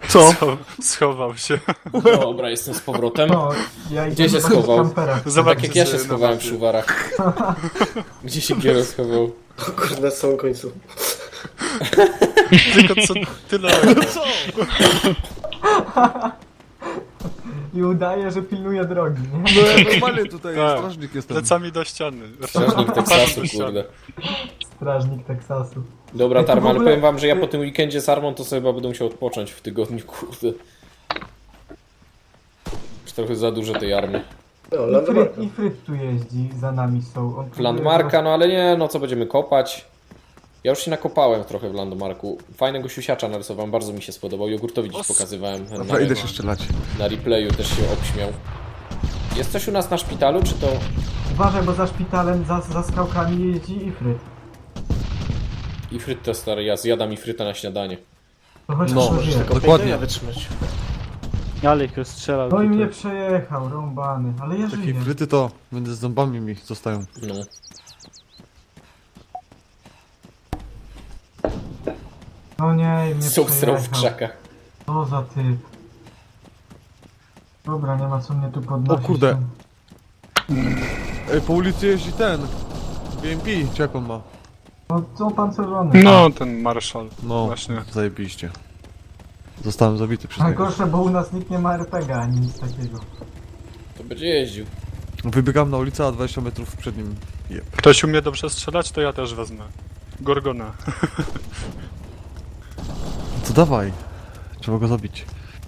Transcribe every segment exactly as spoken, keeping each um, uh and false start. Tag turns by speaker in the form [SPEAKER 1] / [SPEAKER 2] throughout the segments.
[SPEAKER 1] Co?
[SPEAKER 2] Scho schował się.
[SPEAKER 3] Dobra, jestem z powrotem.
[SPEAKER 4] No, ja idę
[SPEAKER 3] Gdzie się
[SPEAKER 4] zobaczyć
[SPEAKER 3] schował?
[SPEAKER 4] kampera.
[SPEAKER 2] Zobacz,
[SPEAKER 3] Tak jak ja się
[SPEAKER 2] na
[SPEAKER 3] schowałem
[SPEAKER 2] mapie.
[SPEAKER 3] w szuwarach. Gdzie się Giero schował?
[SPEAKER 5] Kurde, na samym końcu.
[SPEAKER 2] Tylko co tyle.
[SPEAKER 1] Co?
[SPEAKER 4] I udaje, że pilnuje drogi, nie?
[SPEAKER 1] No ja normalnie tutaj
[SPEAKER 2] Tak.
[SPEAKER 1] strażnik jestem.
[SPEAKER 2] Plecami do ściany.
[SPEAKER 3] Strażnik Teksasu,
[SPEAKER 2] do ściany.
[SPEAKER 3] kurde.
[SPEAKER 4] Strażnik Teksasu.
[SPEAKER 3] Dobra,
[SPEAKER 4] Ej, to w
[SPEAKER 3] Tarma, ale
[SPEAKER 4] ogóle-
[SPEAKER 3] powiem wam, że ja po tym weekendzie z Armą to sobie chyba będę musiał odpocząć w tygodniu, kurde. Już trochę za dużo tej army.
[SPEAKER 5] No,
[SPEAKER 4] I
[SPEAKER 5] Landmarka.
[SPEAKER 4] Fryt, I Fryt tu jeździ, za nami są. On
[SPEAKER 3] W Landmarka, no ale nie, no co będziemy kopać? Ja już się nakopałem trochę w Landmarku. Fajnego siusiacza narysowałem, bardzo mi się spodobał. Jogurtowi dziś
[SPEAKER 2] Os-
[SPEAKER 3] pokazywałem. Na,
[SPEAKER 1] Dobra, idę się strzelać.
[SPEAKER 3] na replayu też się obśmiał. Jest coś u nas na szpitalu, czy to...
[SPEAKER 4] Uważaj, bo za szpitalem, za, za skałkami jeździ i Fryt.
[SPEAKER 3] Ifryt to stary, ja zjadam ifryta na śniadanie.
[SPEAKER 4] To chociaż
[SPEAKER 1] No,
[SPEAKER 4] to wie.
[SPEAKER 1] Dokładnie.
[SPEAKER 5] wytrzymać.
[SPEAKER 6] Ale ich rozstrzelał.
[SPEAKER 4] No i
[SPEAKER 6] tutaj.
[SPEAKER 4] mnie przejechał, rąbany, ale ja
[SPEAKER 1] Takie
[SPEAKER 4] żyję.
[SPEAKER 1] fryty to między zębami mi zostają.
[SPEAKER 3] No.
[SPEAKER 4] No nie, i mnie
[SPEAKER 3] Są w
[SPEAKER 4] przejechał.
[SPEAKER 3] krzakach.
[SPEAKER 4] Co za typ. Dobra, nie ma co mnie tu podnosić.
[SPEAKER 1] O kurde. Ej, po ulicy jeździ ten. B M P, czy jak on ma?
[SPEAKER 4] No co pancerzony?
[SPEAKER 2] No, ten marszal.
[SPEAKER 1] No,
[SPEAKER 2] Właśnie.
[SPEAKER 1] zajebiście. Zostałem zabity przez niego.
[SPEAKER 4] Najgorsze, bo u nas nikt nie ma er pe gie ani nic takiego.
[SPEAKER 3] To będzie jeździł.
[SPEAKER 1] Wybiegam na ulicę, a dwadzieścia metrów przed nim. Jep.
[SPEAKER 2] Ktoś umie dobrze strzelać, to ja też wezmę. Gorgona.
[SPEAKER 1] To dawaj. Trzeba go zabić.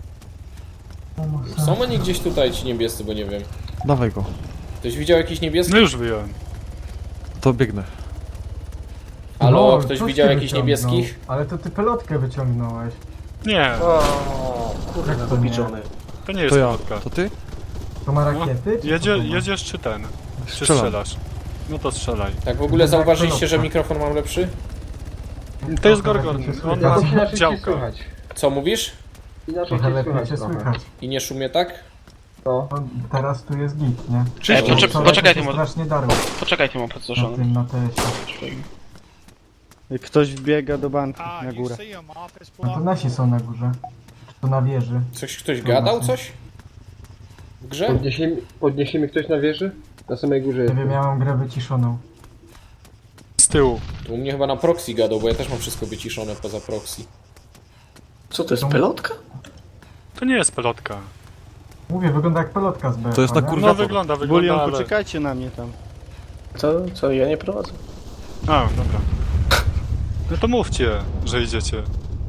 [SPEAKER 3] Są oni gdzieś tutaj ci niebiescy, bo nie wiem.
[SPEAKER 1] Dawaj go.
[SPEAKER 3] Ktoś widział jakiś niebieski?
[SPEAKER 2] No już wyjąłem.
[SPEAKER 1] To biegnę.
[SPEAKER 3] Halo,
[SPEAKER 4] Lol,
[SPEAKER 3] ktoś
[SPEAKER 4] coś
[SPEAKER 3] widział
[SPEAKER 4] ty
[SPEAKER 3] jakichś
[SPEAKER 4] wyciągnął.
[SPEAKER 3] niebieskich?
[SPEAKER 4] Ale to ty pelotkę wyciągnąłeś.
[SPEAKER 2] Nie,
[SPEAKER 5] O, kurde,
[SPEAKER 4] Jak to
[SPEAKER 5] dobiczony.
[SPEAKER 2] to nie jest
[SPEAKER 1] To ja.
[SPEAKER 2] lotka.
[SPEAKER 1] To ty?
[SPEAKER 4] To ma
[SPEAKER 2] No,
[SPEAKER 4] rakiety? czy
[SPEAKER 2] jedzie,
[SPEAKER 4] co to ma?
[SPEAKER 2] jedziesz czy ten? Czy
[SPEAKER 1] Strzelam.
[SPEAKER 2] strzelasz? No to strzelaj.
[SPEAKER 3] Tak w ogóle
[SPEAKER 4] To jak
[SPEAKER 3] zauważyliście, że
[SPEAKER 4] pelotka.
[SPEAKER 3] mikrofon mam lepszy?
[SPEAKER 2] To jest
[SPEAKER 4] Trochę
[SPEAKER 2] Gorgon.
[SPEAKER 4] lepiej się
[SPEAKER 2] On
[SPEAKER 4] słychać.
[SPEAKER 2] ma
[SPEAKER 7] Inaczej cię
[SPEAKER 2] działka.
[SPEAKER 7] słychać.
[SPEAKER 3] Co mówisz?
[SPEAKER 7] Inaczej
[SPEAKER 4] Trochę
[SPEAKER 7] cię
[SPEAKER 4] lepiej
[SPEAKER 7] słychać
[SPEAKER 4] cię
[SPEAKER 7] trochę.
[SPEAKER 4] słychać.
[SPEAKER 3] I nie szumie tak?
[SPEAKER 7] No.
[SPEAKER 4] No, teraz tu jest git, nie?
[SPEAKER 8] Cześć,
[SPEAKER 3] Bo
[SPEAKER 8] poczek
[SPEAKER 4] Wczoraj
[SPEAKER 8] poczekaj,
[SPEAKER 4] to
[SPEAKER 8] ty
[SPEAKER 4] się
[SPEAKER 8] mo-
[SPEAKER 4] strasznie darło
[SPEAKER 8] poczekaj, ty mam
[SPEAKER 4] na
[SPEAKER 8] podzorzony.
[SPEAKER 4] tym, na tesie.
[SPEAKER 6] Ktoś wbiega do banku na górę.
[SPEAKER 4] A to nasi są na górze. Czy to na wieży?
[SPEAKER 3] Coś ktoś gadał coś? W grze?
[SPEAKER 7] Podniesie, mi- podniesie mi ktoś na wieży? Na samej górze
[SPEAKER 4] Nie
[SPEAKER 7] jest.
[SPEAKER 4] wiem, ja mam grę wyciszoną.
[SPEAKER 2] Z tyłu.
[SPEAKER 3] To u mnie chyba na proxy gadał, bo ja też mam wszystko wyciszone poza proxy.
[SPEAKER 5] Co to jest, pelotka?
[SPEAKER 2] To nie jest pelotka.
[SPEAKER 4] Mówię, wygląda jak pelotka z B.
[SPEAKER 1] To jest na
[SPEAKER 4] nie?
[SPEAKER 1] kurwa-
[SPEAKER 2] No wygląda, wygląda,
[SPEAKER 6] Bulion,
[SPEAKER 2] ale...
[SPEAKER 6] poczekajcie na mnie tam.
[SPEAKER 5] Co? Co? Ja nie prowadzę.
[SPEAKER 2] A, dobra. No to mówcie, że idziecie.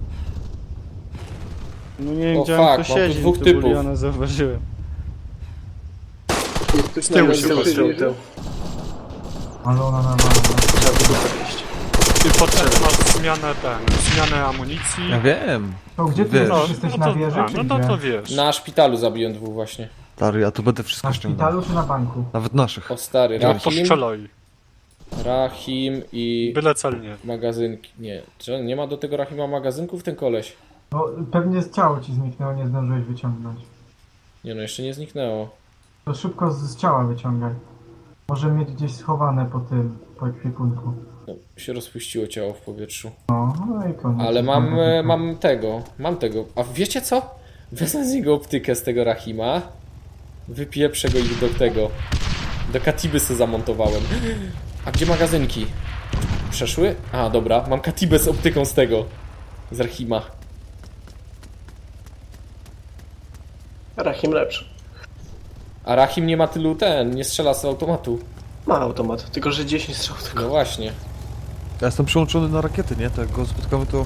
[SPEAKER 6] No nie wiem,
[SPEAKER 3] O
[SPEAKER 6] gdzie
[SPEAKER 3] fuck,
[SPEAKER 6] on
[SPEAKER 3] mam
[SPEAKER 6] tu
[SPEAKER 3] tu
[SPEAKER 6] siedzi,
[SPEAKER 3] dwóch
[SPEAKER 6] tu
[SPEAKER 3] typów.
[SPEAKER 6] Buliona zauważyłem.
[SPEAKER 7] Jest ktoś
[SPEAKER 2] Z tyłu
[SPEAKER 7] na
[SPEAKER 2] się
[SPEAKER 7] na
[SPEAKER 2] patrzą,
[SPEAKER 7] wieży?
[SPEAKER 5] tył.
[SPEAKER 4] Ale ona nawala.
[SPEAKER 5] Trzeba by tu wejść.
[SPEAKER 2] Ty potem masz zmianę ten, zmianę amunicji.
[SPEAKER 1] Ja wiem.
[SPEAKER 4] To gdzie ty
[SPEAKER 1] Wiesz.
[SPEAKER 4] jesteś? Jesteś na
[SPEAKER 2] to,
[SPEAKER 4] wieży,
[SPEAKER 2] a,
[SPEAKER 4] czy
[SPEAKER 2] no,
[SPEAKER 4] gdzie?
[SPEAKER 2] no to wiesz.
[SPEAKER 3] Na szpitalu zabiłem dwóch właśnie.
[SPEAKER 1] Stary, ja tu będę wszystko
[SPEAKER 4] Na
[SPEAKER 1] ściągał.
[SPEAKER 4] szpitalu czy na banku?
[SPEAKER 1] Nawet naszych.
[SPEAKER 3] O stary,
[SPEAKER 2] No
[SPEAKER 3] Rahim,
[SPEAKER 2] postrzelaj.
[SPEAKER 3] Rahim i
[SPEAKER 2] Byle celnie.
[SPEAKER 3] magazynki. Nie, czy nie ma do tego Rahima magazynków ten koleś?
[SPEAKER 4] No pewnie z ciało ci zniknęło, nie zdążyłeś wyciągnąć.
[SPEAKER 3] Nie no, jeszcze nie zniknęło.
[SPEAKER 4] To szybko z, z ciała wyciągaj. Może mieć gdzieś schowane po tym, po ekwipunku.
[SPEAKER 3] No, się rozpuściło ciało w powietrzu.
[SPEAKER 4] No, no i koniec.
[SPEAKER 3] Ale mam,
[SPEAKER 4] Dobra,
[SPEAKER 3] e, mam tego, mam tego. A wiecie co? Wezmę z niego optykę z tego Rahima. Wypieprzę go i do tego. Do Katiby se zamontowałem. A gdzie magazynki? Przeszły? A, dobra, mam Katibę z optyką z tego. Z Rahima.
[SPEAKER 5] Rahim lepszy.
[SPEAKER 3] A Rahim nie ma tylu ten, nie strzela z automatu.
[SPEAKER 5] Ma automat, tylko że dziesięć strzał
[SPEAKER 3] No
[SPEAKER 5] tylko.
[SPEAKER 3] właśnie.
[SPEAKER 1] Ja jestem przyłączony na rakiety, nie? To jak go spotkamy, to...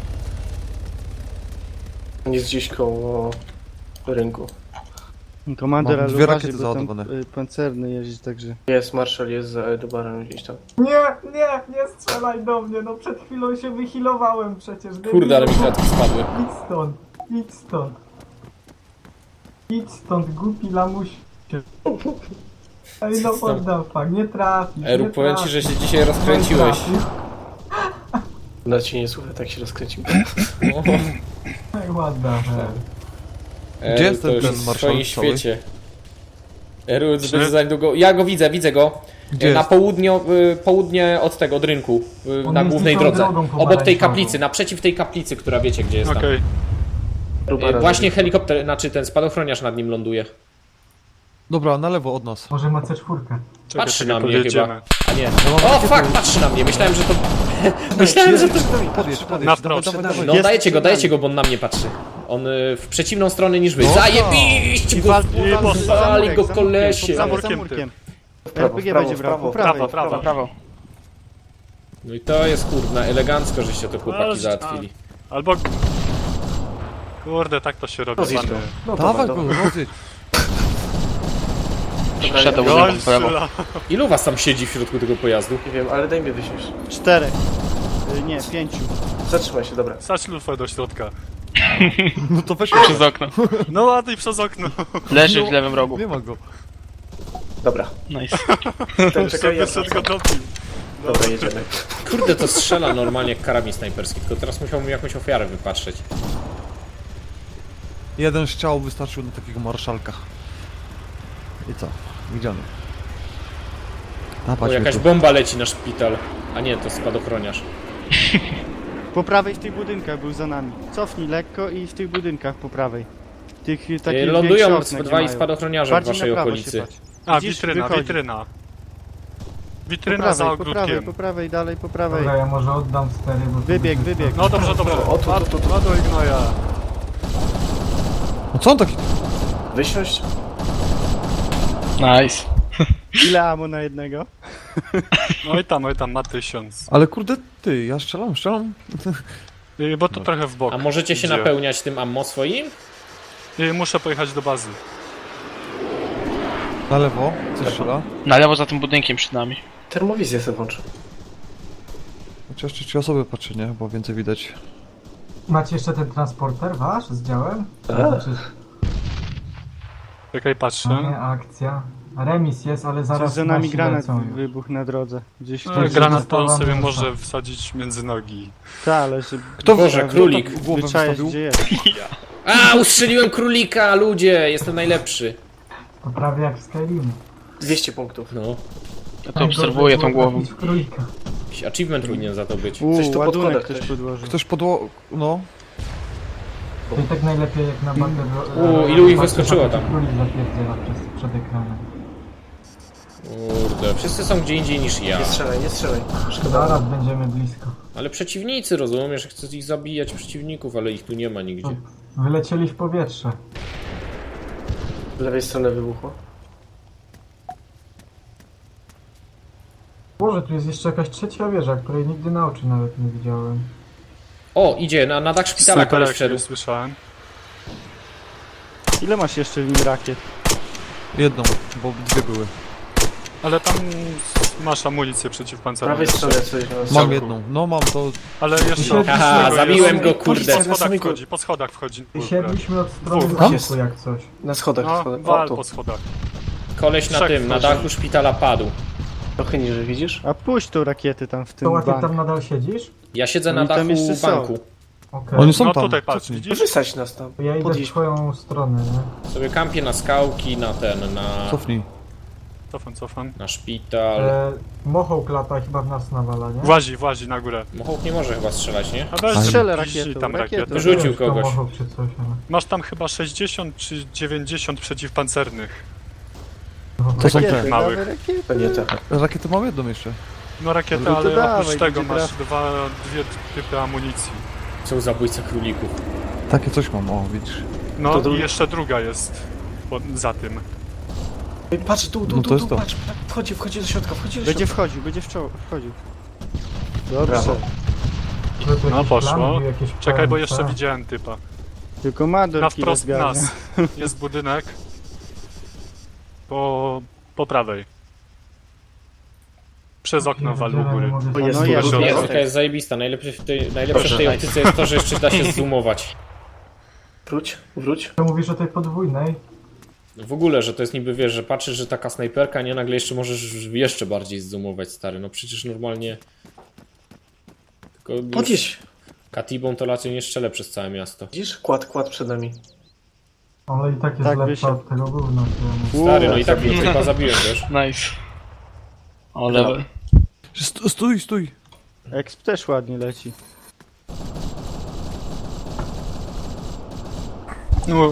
[SPEAKER 5] Jest gdzieś koło rynku.
[SPEAKER 6] Komander,
[SPEAKER 1] Mam
[SPEAKER 6] ale
[SPEAKER 1] dwie
[SPEAKER 6] uważaj,
[SPEAKER 1] rakiety
[SPEAKER 6] bo tam
[SPEAKER 1] załadowane.
[SPEAKER 6] y, pancerny jeździ, także...
[SPEAKER 5] Jest, marszal jest za Edobarem gdzieś tam.
[SPEAKER 4] Nie, nie, nie strzelaj do mnie, no przed chwilą się wychilowałem przecież.
[SPEAKER 3] Kurde, ale mi
[SPEAKER 4] debilu.
[SPEAKER 3] kratki spadły.
[SPEAKER 4] Idź stąd, idź stąd. Idź stąd, głupi lamuś. Ej, no what the fuck, nie trafisz,
[SPEAKER 3] Eru,
[SPEAKER 4] nie
[SPEAKER 3] powiem ci,
[SPEAKER 4] trafisz.
[SPEAKER 3] że się dzisiaj
[SPEAKER 4] No i
[SPEAKER 3] rozkręciłeś.
[SPEAKER 4] trafił.
[SPEAKER 5] Nawet się nie słucha, tak się rozkręcił.
[SPEAKER 3] No.
[SPEAKER 4] Ej, what the hell.
[SPEAKER 3] Eru,
[SPEAKER 1] Gdzie jest
[SPEAKER 3] to
[SPEAKER 1] ten-
[SPEAKER 3] już
[SPEAKER 1] ten
[SPEAKER 3] jest w
[SPEAKER 1] marszał
[SPEAKER 3] swoim
[SPEAKER 1] cały?
[SPEAKER 3] świecie. Eru,
[SPEAKER 2] Czy-
[SPEAKER 3] będzie za niedługo... Ja go widzę, widzę go.
[SPEAKER 1] Gdzie
[SPEAKER 3] Na
[SPEAKER 1] jest?
[SPEAKER 3] południo, y, południe od tego, od rynku. y,
[SPEAKER 4] On
[SPEAKER 3] Na
[SPEAKER 4] jest
[SPEAKER 3] głównej
[SPEAKER 4] tą
[SPEAKER 3] drodze.
[SPEAKER 4] drogą
[SPEAKER 3] Obok tej
[SPEAKER 4] pomarańczową.
[SPEAKER 3] kaplicy, naprzeciw tej kaplicy, która wiecie gdzie jest tam.
[SPEAKER 2] Okej.
[SPEAKER 5] Próba
[SPEAKER 3] E,
[SPEAKER 5] razy.
[SPEAKER 3] Właśnie helikopter, znaczy ten spadochroniarz nad nim ląduje.
[SPEAKER 1] Dobra, na lewo od nas.
[SPEAKER 4] Może ma C cztery.
[SPEAKER 2] Czekaj,
[SPEAKER 3] Patrzy
[SPEAKER 2] czekaj,
[SPEAKER 3] na mnie
[SPEAKER 2] podjedziemy.
[SPEAKER 3] chyba. A nie. O fuck, patrzy na mnie. Myślałem, że to... Myślałem, że to...
[SPEAKER 1] Podjedź, podjedź,
[SPEAKER 2] Na
[SPEAKER 1] dawaj,
[SPEAKER 2] wprost.
[SPEAKER 1] dawaj, dawaj.
[SPEAKER 3] No
[SPEAKER 6] Jest
[SPEAKER 3] dajecie go,
[SPEAKER 6] przed nami.
[SPEAKER 3] dajcie go, bo on na mnie patrzy. On y, w przeciwną stronę niż wy.
[SPEAKER 1] No
[SPEAKER 3] Zajebiście
[SPEAKER 6] I
[SPEAKER 3] go!
[SPEAKER 6] wal,
[SPEAKER 2] I
[SPEAKER 6] wal,
[SPEAKER 2] po-
[SPEAKER 6] za
[SPEAKER 3] wali
[SPEAKER 6] murek,
[SPEAKER 3] go
[SPEAKER 6] za
[SPEAKER 3] kolesie.
[SPEAKER 6] murkiem,
[SPEAKER 2] Za
[SPEAKER 6] za
[SPEAKER 2] murkiem
[SPEAKER 6] murkiem.
[SPEAKER 5] W prawo,
[SPEAKER 6] R P G
[SPEAKER 5] w prawo,
[SPEAKER 6] będzie
[SPEAKER 5] w
[SPEAKER 6] brał,
[SPEAKER 5] prawo,
[SPEAKER 6] po
[SPEAKER 5] w prawo,
[SPEAKER 6] prawej.
[SPEAKER 5] w prawo, w prawo.
[SPEAKER 3] No i to jest kurna, elegancko, żeście to chłopaki
[SPEAKER 2] Ależ-
[SPEAKER 3] załatwili.
[SPEAKER 2] Albo... Kurde, tak to się robi,
[SPEAKER 5] Rozjedź
[SPEAKER 2] pany.
[SPEAKER 5] go. No
[SPEAKER 1] Dawaj
[SPEAKER 5] dobra,
[SPEAKER 1] go,
[SPEAKER 5] dobra.
[SPEAKER 1] rozjedź.
[SPEAKER 5] Dobra, ja-
[SPEAKER 2] Goń
[SPEAKER 5] w prawo.
[SPEAKER 2] strzela.
[SPEAKER 3] Ilu was tam siedzi w środku tego pojazdu?
[SPEAKER 5] Nie wiem, ale daj mi wysiąść.
[SPEAKER 6] Czterech. Y, Nie, pięciu.
[SPEAKER 5] Zatrzymaj się, dobra.
[SPEAKER 2] Sać lufę do środka.
[SPEAKER 1] No to weź
[SPEAKER 8] Przez okno.
[SPEAKER 2] No ładnie przez okno.
[SPEAKER 8] Leży w lewym rogu.
[SPEAKER 1] Nie ma go.
[SPEAKER 5] Dobra.
[SPEAKER 8] Nice.
[SPEAKER 5] Ten czekaj, ja
[SPEAKER 2] Wyszedł go dobił.
[SPEAKER 5] Dobra, jedziemy.
[SPEAKER 3] Kurde, to strzela normalnie jak karabin snajperski, tylko teraz musiałbym jakąś ofiarę wypatrzeć.
[SPEAKER 1] Jeden strzał wystarczył na takiego marszalka. I co? Widziany.
[SPEAKER 3] Bo
[SPEAKER 1] Dawać
[SPEAKER 3] jakaś
[SPEAKER 1] tu.
[SPEAKER 3] bomba leci na szpital. A nie, to spadochroniarz.
[SPEAKER 6] Po prawej w tych budynkach był za nami. Cofnij lekko i w tych budynkach po prawej. Tych
[SPEAKER 3] E,
[SPEAKER 6] takich
[SPEAKER 3] Lądują
[SPEAKER 6] większych
[SPEAKER 3] sp-
[SPEAKER 6] okna,
[SPEAKER 3] dwaj
[SPEAKER 6] gdzie mają.
[SPEAKER 3] spadochroniarze w
[SPEAKER 6] Bardziej
[SPEAKER 3] waszej
[SPEAKER 6] na prawo
[SPEAKER 3] okolicy.
[SPEAKER 6] się patrz.
[SPEAKER 2] A,
[SPEAKER 6] Widzisz?
[SPEAKER 2] witryna,
[SPEAKER 6] Wychodzi.
[SPEAKER 2] witryna.
[SPEAKER 6] Po
[SPEAKER 2] Witryna za
[SPEAKER 6] prawej, po prawej,
[SPEAKER 2] ogródkiem.
[SPEAKER 6] po prawej, dalej po prawej.
[SPEAKER 4] Dobra, ja może oddam stery, bo... to
[SPEAKER 6] Wybieg,
[SPEAKER 4] będzie-
[SPEAKER 6] wybieg.
[SPEAKER 2] No dobrze, dobrze.
[SPEAKER 5] O, tu, tu, tu, tu.
[SPEAKER 2] Ładuj gnoja.
[SPEAKER 1] No co on taki...
[SPEAKER 5] Wysiąść?
[SPEAKER 8] Nice.
[SPEAKER 6] Ile ammo na jednego?
[SPEAKER 2] No i tam, oj tam, ma tysiąc.
[SPEAKER 1] Ale kurde, ty, ja strzelam, strzelam.
[SPEAKER 2] Y, Bo to trochę w bok.
[SPEAKER 3] A możecie się
[SPEAKER 2] idzie.
[SPEAKER 3] napełniać tym ammo swoim?
[SPEAKER 2] Y, Muszę pojechać do bazy.
[SPEAKER 1] Na lewo, coś strzela.
[SPEAKER 8] Na lewo za tym budynkiem przed nami.
[SPEAKER 5] Termowizję sobie włączę.
[SPEAKER 1] Chociaż jeszcze trzy osoby patrzy, nie? Bo więcej widać.
[SPEAKER 4] Macie jeszcze ten transporter wasz z działem?
[SPEAKER 5] Tak.
[SPEAKER 4] Znaczy,
[SPEAKER 2] Czekaj, patrzę.
[SPEAKER 4] nie, akcja. Remis jest, ale zaraz
[SPEAKER 6] Zaraz za nami
[SPEAKER 4] nasi
[SPEAKER 6] granat
[SPEAKER 4] lecą już.
[SPEAKER 6] wybuchł na drodze. Gdzieś
[SPEAKER 2] No,
[SPEAKER 6] ktoś
[SPEAKER 2] granat to
[SPEAKER 4] została
[SPEAKER 2] sobie
[SPEAKER 4] mięsa.
[SPEAKER 2] może wsadzić między nogi.
[SPEAKER 6] Ta, ale żeby
[SPEAKER 1] Kto
[SPEAKER 3] Boże,
[SPEAKER 1] kto
[SPEAKER 3] królik.
[SPEAKER 1] tak głowę
[SPEAKER 6] wyczaić
[SPEAKER 1] wystawił?
[SPEAKER 6] gdzie jest.
[SPEAKER 3] A, ustrzeliłem królika, ludzie! Jestem najlepszy.
[SPEAKER 4] To prawie jak w Skyrimu.
[SPEAKER 5] dwieście punktów.
[SPEAKER 3] No,
[SPEAKER 8] Ja to obserwuję tą głową.
[SPEAKER 4] W królika.
[SPEAKER 3] jakiś achievement powinien za to być.
[SPEAKER 6] Uuu,
[SPEAKER 5] Coś tu pod
[SPEAKER 6] ładunek
[SPEAKER 5] kodek
[SPEAKER 6] ktoś
[SPEAKER 5] też.
[SPEAKER 6] podłożył.
[SPEAKER 1] Ktoś podło... no.
[SPEAKER 4] To i tak najlepiej jak na bandę...
[SPEAKER 3] U, ilu ich wyskoczyło tam?
[SPEAKER 4] Królik zapierdziela przez, przed ekranem.
[SPEAKER 3] Kurde, wszyscy są gdzie indziej niż ja.
[SPEAKER 5] Nie strzelaj, nie strzelaj.
[SPEAKER 4] Zaraz będziemy blisko.
[SPEAKER 3] Ale przeciwnicy, rozumiesz, chcę ich zabijać przeciwników, ale ich tu nie ma nigdzie.
[SPEAKER 4] Wylecieli w powietrze.
[SPEAKER 5] Z lewej strony wybuchło.
[SPEAKER 4] Boże, tu jest jeszcze jakaś trzecia wieża, której nigdy na oczy nawet nie widziałem.
[SPEAKER 3] O, idzie, na, na dach szpitala koleś
[SPEAKER 2] Snajperek
[SPEAKER 3] wszedł.
[SPEAKER 2] nie słyszałem.
[SPEAKER 6] Ile masz jeszcze w nim rakiet?
[SPEAKER 1] Jedną, bo dwie były.
[SPEAKER 2] Ale tam masz amunicję
[SPEAKER 5] Z
[SPEAKER 2] przeciwpancerną.
[SPEAKER 5] prawej
[SPEAKER 2] jeszcze.
[SPEAKER 5] strony coś nas...
[SPEAKER 1] Mam
[SPEAKER 2] Całku.
[SPEAKER 1] jedną. No mam to...
[SPEAKER 2] Ale jeszcze...
[SPEAKER 3] Haha,
[SPEAKER 2] tego
[SPEAKER 3] zabiłem
[SPEAKER 2] jest-
[SPEAKER 3] go, kurde.
[SPEAKER 2] Po schodach wchodzi, po schodach wchodzi.
[SPEAKER 4] Siedliśmy od strony
[SPEAKER 2] Dwóch.
[SPEAKER 4] banku jak coś.
[SPEAKER 5] Na schodach,
[SPEAKER 2] No,
[SPEAKER 5] schodach. O,
[SPEAKER 2] wal
[SPEAKER 5] tu.
[SPEAKER 2] po schodach.
[SPEAKER 3] Koleś na
[SPEAKER 2] Trzech
[SPEAKER 3] tym, na
[SPEAKER 2] wchodzi.
[SPEAKER 3] dachu szpitala padł.
[SPEAKER 5] Trochę niżej, widzisz?
[SPEAKER 6] A puść tą rakietę tam w tym
[SPEAKER 4] To łaty
[SPEAKER 6] banku.
[SPEAKER 4] tam nadal siedzisz?
[SPEAKER 3] Ja siedzę na
[SPEAKER 6] Oni tam
[SPEAKER 3] dachu
[SPEAKER 6] jeszcze są.
[SPEAKER 3] banku.
[SPEAKER 4] Okej.
[SPEAKER 1] Oni są
[SPEAKER 2] No
[SPEAKER 1] tam.
[SPEAKER 2] tutaj patrz,
[SPEAKER 1] Cofnij.
[SPEAKER 2] widzisz?
[SPEAKER 5] Wysadź nas tam.
[SPEAKER 4] To ja idę w
[SPEAKER 5] Podjedź.
[SPEAKER 4] twoją stronę, nie?
[SPEAKER 3] Sobie kampię na skałki, na ten, na,
[SPEAKER 1] Cofnij.
[SPEAKER 2] Cofam, cofam.
[SPEAKER 3] na szpital.
[SPEAKER 4] E, Mochołk lata chyba w nas nawala, nie?
[SPEAKER 2] Włazi, włazi na górę.
[SPEAKER 3] Mochołk nie może chyba strzelać, nie?
[SPEAKER 2] A weź
[SPEAKER 6] Strzelę
[SPEAKER 2] piszczy
[SPEAKER 6] rakietą,
[SPEAKER 2] tam
[SPEAKER 6] rakietą.
[SPEAKER 2] rakietę.
[SPEAKER 3] Wyrzucił
[SPEAKER 4] Nie wiem, czy to
[SPEAKER 3] kogoś.
[SPEAKER 4] Mochołk czy coś, ale...
[SPEAKER 2] Masz tam chyba sześćdziesiąt czy dziewięćdziesiąt przeciwpancernych.
[SPEAKER 1] To są
[SPEAKER 6] Rakiety,
[SPEAKER 1] te.
[SPEAKER 2] małych.
[SPEAKER 6] dawaj rakiety.
[SPEAKER 5] To nie te.
[SPEAKER 1] Rakiety mam jedną jeszcze.
[SPEAKER 2] No rakiety,
[SPEAKER 6] No to
[SPEAKER 2] ale
[SPEAKER 6] dawaj,
[SPEAKER 2] oprócz tego
[SPEAKER 6] będzie
[SPEAKER 2] masz
[SPEAKER 6] traf-
[SPEAKER 2] dwa, dwie typy amunicji.
[SPEAKER 3] Są zabójca królików.
[SPEAKER 1] Takie coś mam, o widzisz.
[SPEAKER 2] No
[SPEAKER 5] To
[SPEAKER 2] i
[SPEAKER 5] drugi-
[SPEAKER 2] jeszcze druga jest pod, za tym.
[SPEAKER 5] Ej, patrz, tu, tu,
[SPEAKER 1] No to
[SPEAKER 5] tu,
[SPEAKER 1] jest
[SPEAKER 5] tu,
[SPEAKER 1] to.
[SPEAKER 5] patrz. Wchodzi, wchodzi do środka, wchodzi do
[SPEAKER 6] Będzie
[SPEAKER 5] środka.
[SPEAKER 6] wchodził, będzie w czoło, wchodził. Dobrze.
[SPEAKER 5] Brawo.
[SPEAKER 4] Czy to
[SPEAKER 2] No
[SPEAKER 4] jakiś
[SPEAKER 2] poszło.
[SPEAKER 4] plan, jakieś
[SPEAKER 2] Czekaj, bo
[SPEAKER 4] plan,
[SPEAKER 2] jeszcze
[SPEAKER 4] tak?
[SPEAKER 2] widziałem typa.
[SPEAKER 6] Tylko Mador
[SPEAKER 2] Na
[SPEAKER 6] kile
[SPEAKER 2] wprost
[SPEAKER 6] zgarnia.
[SPEAKER 2] nas jest budynek. Po, po prawej. Przez okno wali u góry.
[SPEAKER 5] O, jest
[SPEAKER 6] No
[SPEAKER 5] tu,
[SPEAKER 6] jest,
[SPEAKER 5] do
[SPEAKER 3] Nie,
[SPEAKER 5] środka.
[SPEAKER 3] taka jest zajebista. Najlepsze w tej, najlepsze w
[SPEAKER 5] Proszę,
[SPEAKER 3] tej
[SPEAKER 5] daj.
[SPEAKER 3] optyce jest to, że jeszcze da się zoomować.
[SPEAKER 5] Wróć, wróć.
[SPEAKER 4] Ty mówisz o tej podwójnej?
[SPEAKER 3] W ogóle, że to jest niby, wiesz, że patrzysz, że taka snajperka, nie, nagle jeszcze możesz jeszcze bardziej zoomować, stary. No przecież normalnie... Tylko już
[SPEAKER 5] Podjedź.
[SPEAKER 3] Katibą to raczej nie strzelę przez całe miasto.
[SPEAKER 5] Widzisz? Kład, kład przed nami.
[SPEAKER 4] Ale i tak jest
[SPEAKER 6] Tak,
[SPEAKER 4] lepsza
[SPEAKER 6] wysiadł.
[SPEAKER 4] od tego gówna. któremu-
[SPEAKER 3] Stary, no i tak mnie tylko zabiłem, wiesz.
[SPEAKER 8] Nice. O, level.
[SPEAKER 1] St- Stój, stój.
[SPEAKER 6] Exp też ładnie leci.
[SPEAKER 2] No,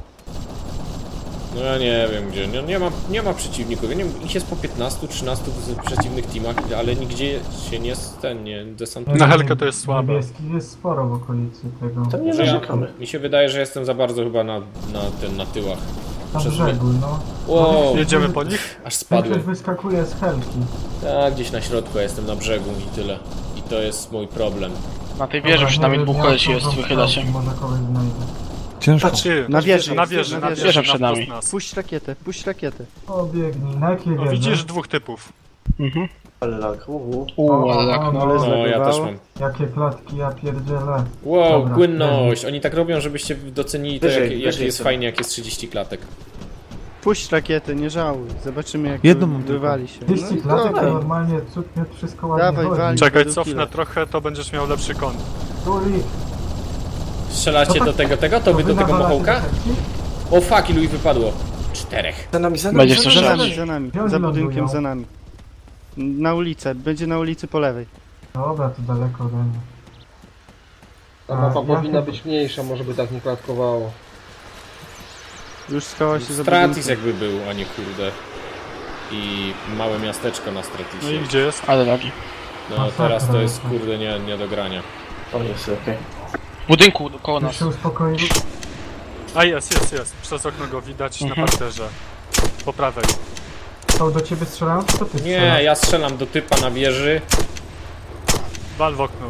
[SPEAKER 3] No ja nie wiem gdzie, nie, nie, ma, nie ma przeciwników, ja nie wiem, ich jest po piętnastu trzynastu w przeciwnych teamach, ale nigdzie się nie ten, nie desantuje.
[SPEAKER 2] Na helkę to jest słabe.
[SPEAKER 4] Niebieskich jest sporo w okolicy tego.
[SPEAKER 5] To nie
[SPEAKER 3] Że ja,
[SPEAKER 5] narzekamy.
[SPEAKER 3] mi się wydaje, że jestem za bardzo chyba na, na, ten, na tyłach.
[SPEAKER 4] Na
[SPEAKER 3] Przez
[SPEAKER 4] brzegu, no.
[SPEAKER 3] Wow,
[SPEAKER 2] Jedziemy po nich?
[SPEAKER 3] aż
[SPEAKER 4] Większość
[SPEAKER 3] spadłem.
[SPEAKER 4] wyskakuje z helki.
[SPEAKER 3] Tak, gdzieś na środku, ja jestem na brzegu i tyle. I to jest mój problem.
[SPEAKER 8] Na tej wieży przynajmniej dwóch kolesi jest, wychyla się.
[SPEAKER 4] Może kogoś znajdę.
[SPEAKER 1] Ciężko.
[SPEAKER 2] Ty,
[SPEAKER 6] Na wieży,
[SPEAKER 2] na wieży, na
[SPEAKER 6] wieży.
[SPEAKER 2] wieży,
[SPEAKER 8] przed
[SPEAKER 2] na
[SPEAKER 8] nami.
[SPEAKER 2] wprost nas.
[SPEAKER 6] Puść rakietę, puść rakietę.
[SPEAKER 4] O, biegnij. Na jakiej
[SPEAKER 2] No,
[SPEAKER 4] wieży?
[SPEAKER 2] widzisz dwóch typów.
[SPEAKER 8] Mhm.
[SPEAKER 5] Ale lag, uuu.
[SPEAKER 8] Uuu, ale tak.
[SPEAKER 4] no,
[SPEAKER 6] Ale
[SPEAKER 3] No, ja
[SPEAKER 6] zlagowało.
[SPEAKER 3] też mam.
[SPEAKER 4] Jakie klatki, ja pierdzielę.
[SPEAKER 3] Wow,
[SPEAKER 4] Dobra,
[SPEAKER 3] płynność! Oni tak robią, żebyście docenili to,
[SPEAKER 5] Wyżej,
[SPEAKER 3] jak, jak
[SPEAKER 5] wyżej
[SPEAKER 3] jest
[SPEAKER 5] sobie.
[SPEAKER 3] fajnie, jak jest trzydzieści klatek.
[SPEAKER 6] Puść rakietę, nie żałuj. Zobaczymy jak
[SPEAKER 1] Jedną
[SPEAKER 6] wy-
[SPEAKER 1] mam tylko.
[SPEAKER 6] wywali się.
[SPEAKER 4] trzydzieści
[SPEAKER 6] i
[SPEAKER 4] klatek to
[SPEAKER 6] dawaj.
[SPEAKER 4] normalnie cud mnie wszystko ładnie
[SPEAKER 6] Dawaj,
[SPEAKER 4] chodzi.
[SPEAKER 6] wali.
[SPEAKER 2] Czekaj,
[SPEAKER 6] do
[SPEAKER 2] cofnę
[SPEAKER 6] killa.
[SPEAKER 2] trochę, to będziesz miał lepszy kąt.
[SPEAKER 4] Tuli,
[SPEAKER 3] Strzelacie
[SPEAKER 4] No tak,
[SPEAKER 3] do tego, tego? To wy do tego
[SPEAKER 4] nawalacie
[SPEAKER 3] mochołka?
[SPEAKER 4] do helki?
[SPEAKER 3] O fuck, ilu ich wypadło? Czterech.
[SPEAKER 5] Za nami, za nami,
[SPEAKER 8] Będziesz
[SPEAKER 5] za
[SPEAKER 8] coś
[SPEAKER 6] Za
[SPEAKER 5] nami.
[SPEAKER 6] nami, za nami.
[SPEAKER 4] Gdzie oni
[SPEAKER 6] Za budynkiem,
[SPEAKER 4] lądują?
[SPEAKER 6] za nami. Na ulicę, będzie na ulicy po lewej.
[SPEAKER 4] Dobra, to daleko ode mnie.
[SPEAKER 7] Ta
[SPEAKER 4] A,
[SPEAKER 7] mapa
[SPEAKER 4] ja
[SPEAKER 7] powinna
[SPEAKER 4] chyba-
[SPEAKER 7] być mniejsza, może by tak nie klatkowało.
[SPEAKER 6] Już schowała się za
[SPEAKER 3] Stratis
[SPEAKER 6] budynkiem.
[SPEAKER 3] jakby był, a nie kurde. I małe miasteczko na
[SPEAKER 2] No i
[SPEAKER 3] Stratisie.
[SPEAKER 2] gdzie jest?
[SPEAKER 8] Ale lagi.
[SPEAKER 3] No teraz to jest kurde nie, nie do grania.
[SPEAKER 5] O, jest, okej.
[SPEAKER 8] W budynku koło
[SPEAKER 4] Już
[SPEAKER 8] nas.
[SPEAKER 4] się uspokoili.
[SPEAKER 2] A jest, jest, jest. Przez okno go widać
[SPEAKER 8] Mhm.
[SPEAKER 2] na parterze. Po prawej.
[SPEAKER 4] To do ciebie strzelają, czy to ty
[SPEAKER 3] Nie,
[SPEAKER 4] strzelasz?
[SPEAKER 3] ja strzelam do typa na wieży.
[SPEAKER 2] Wal w okno.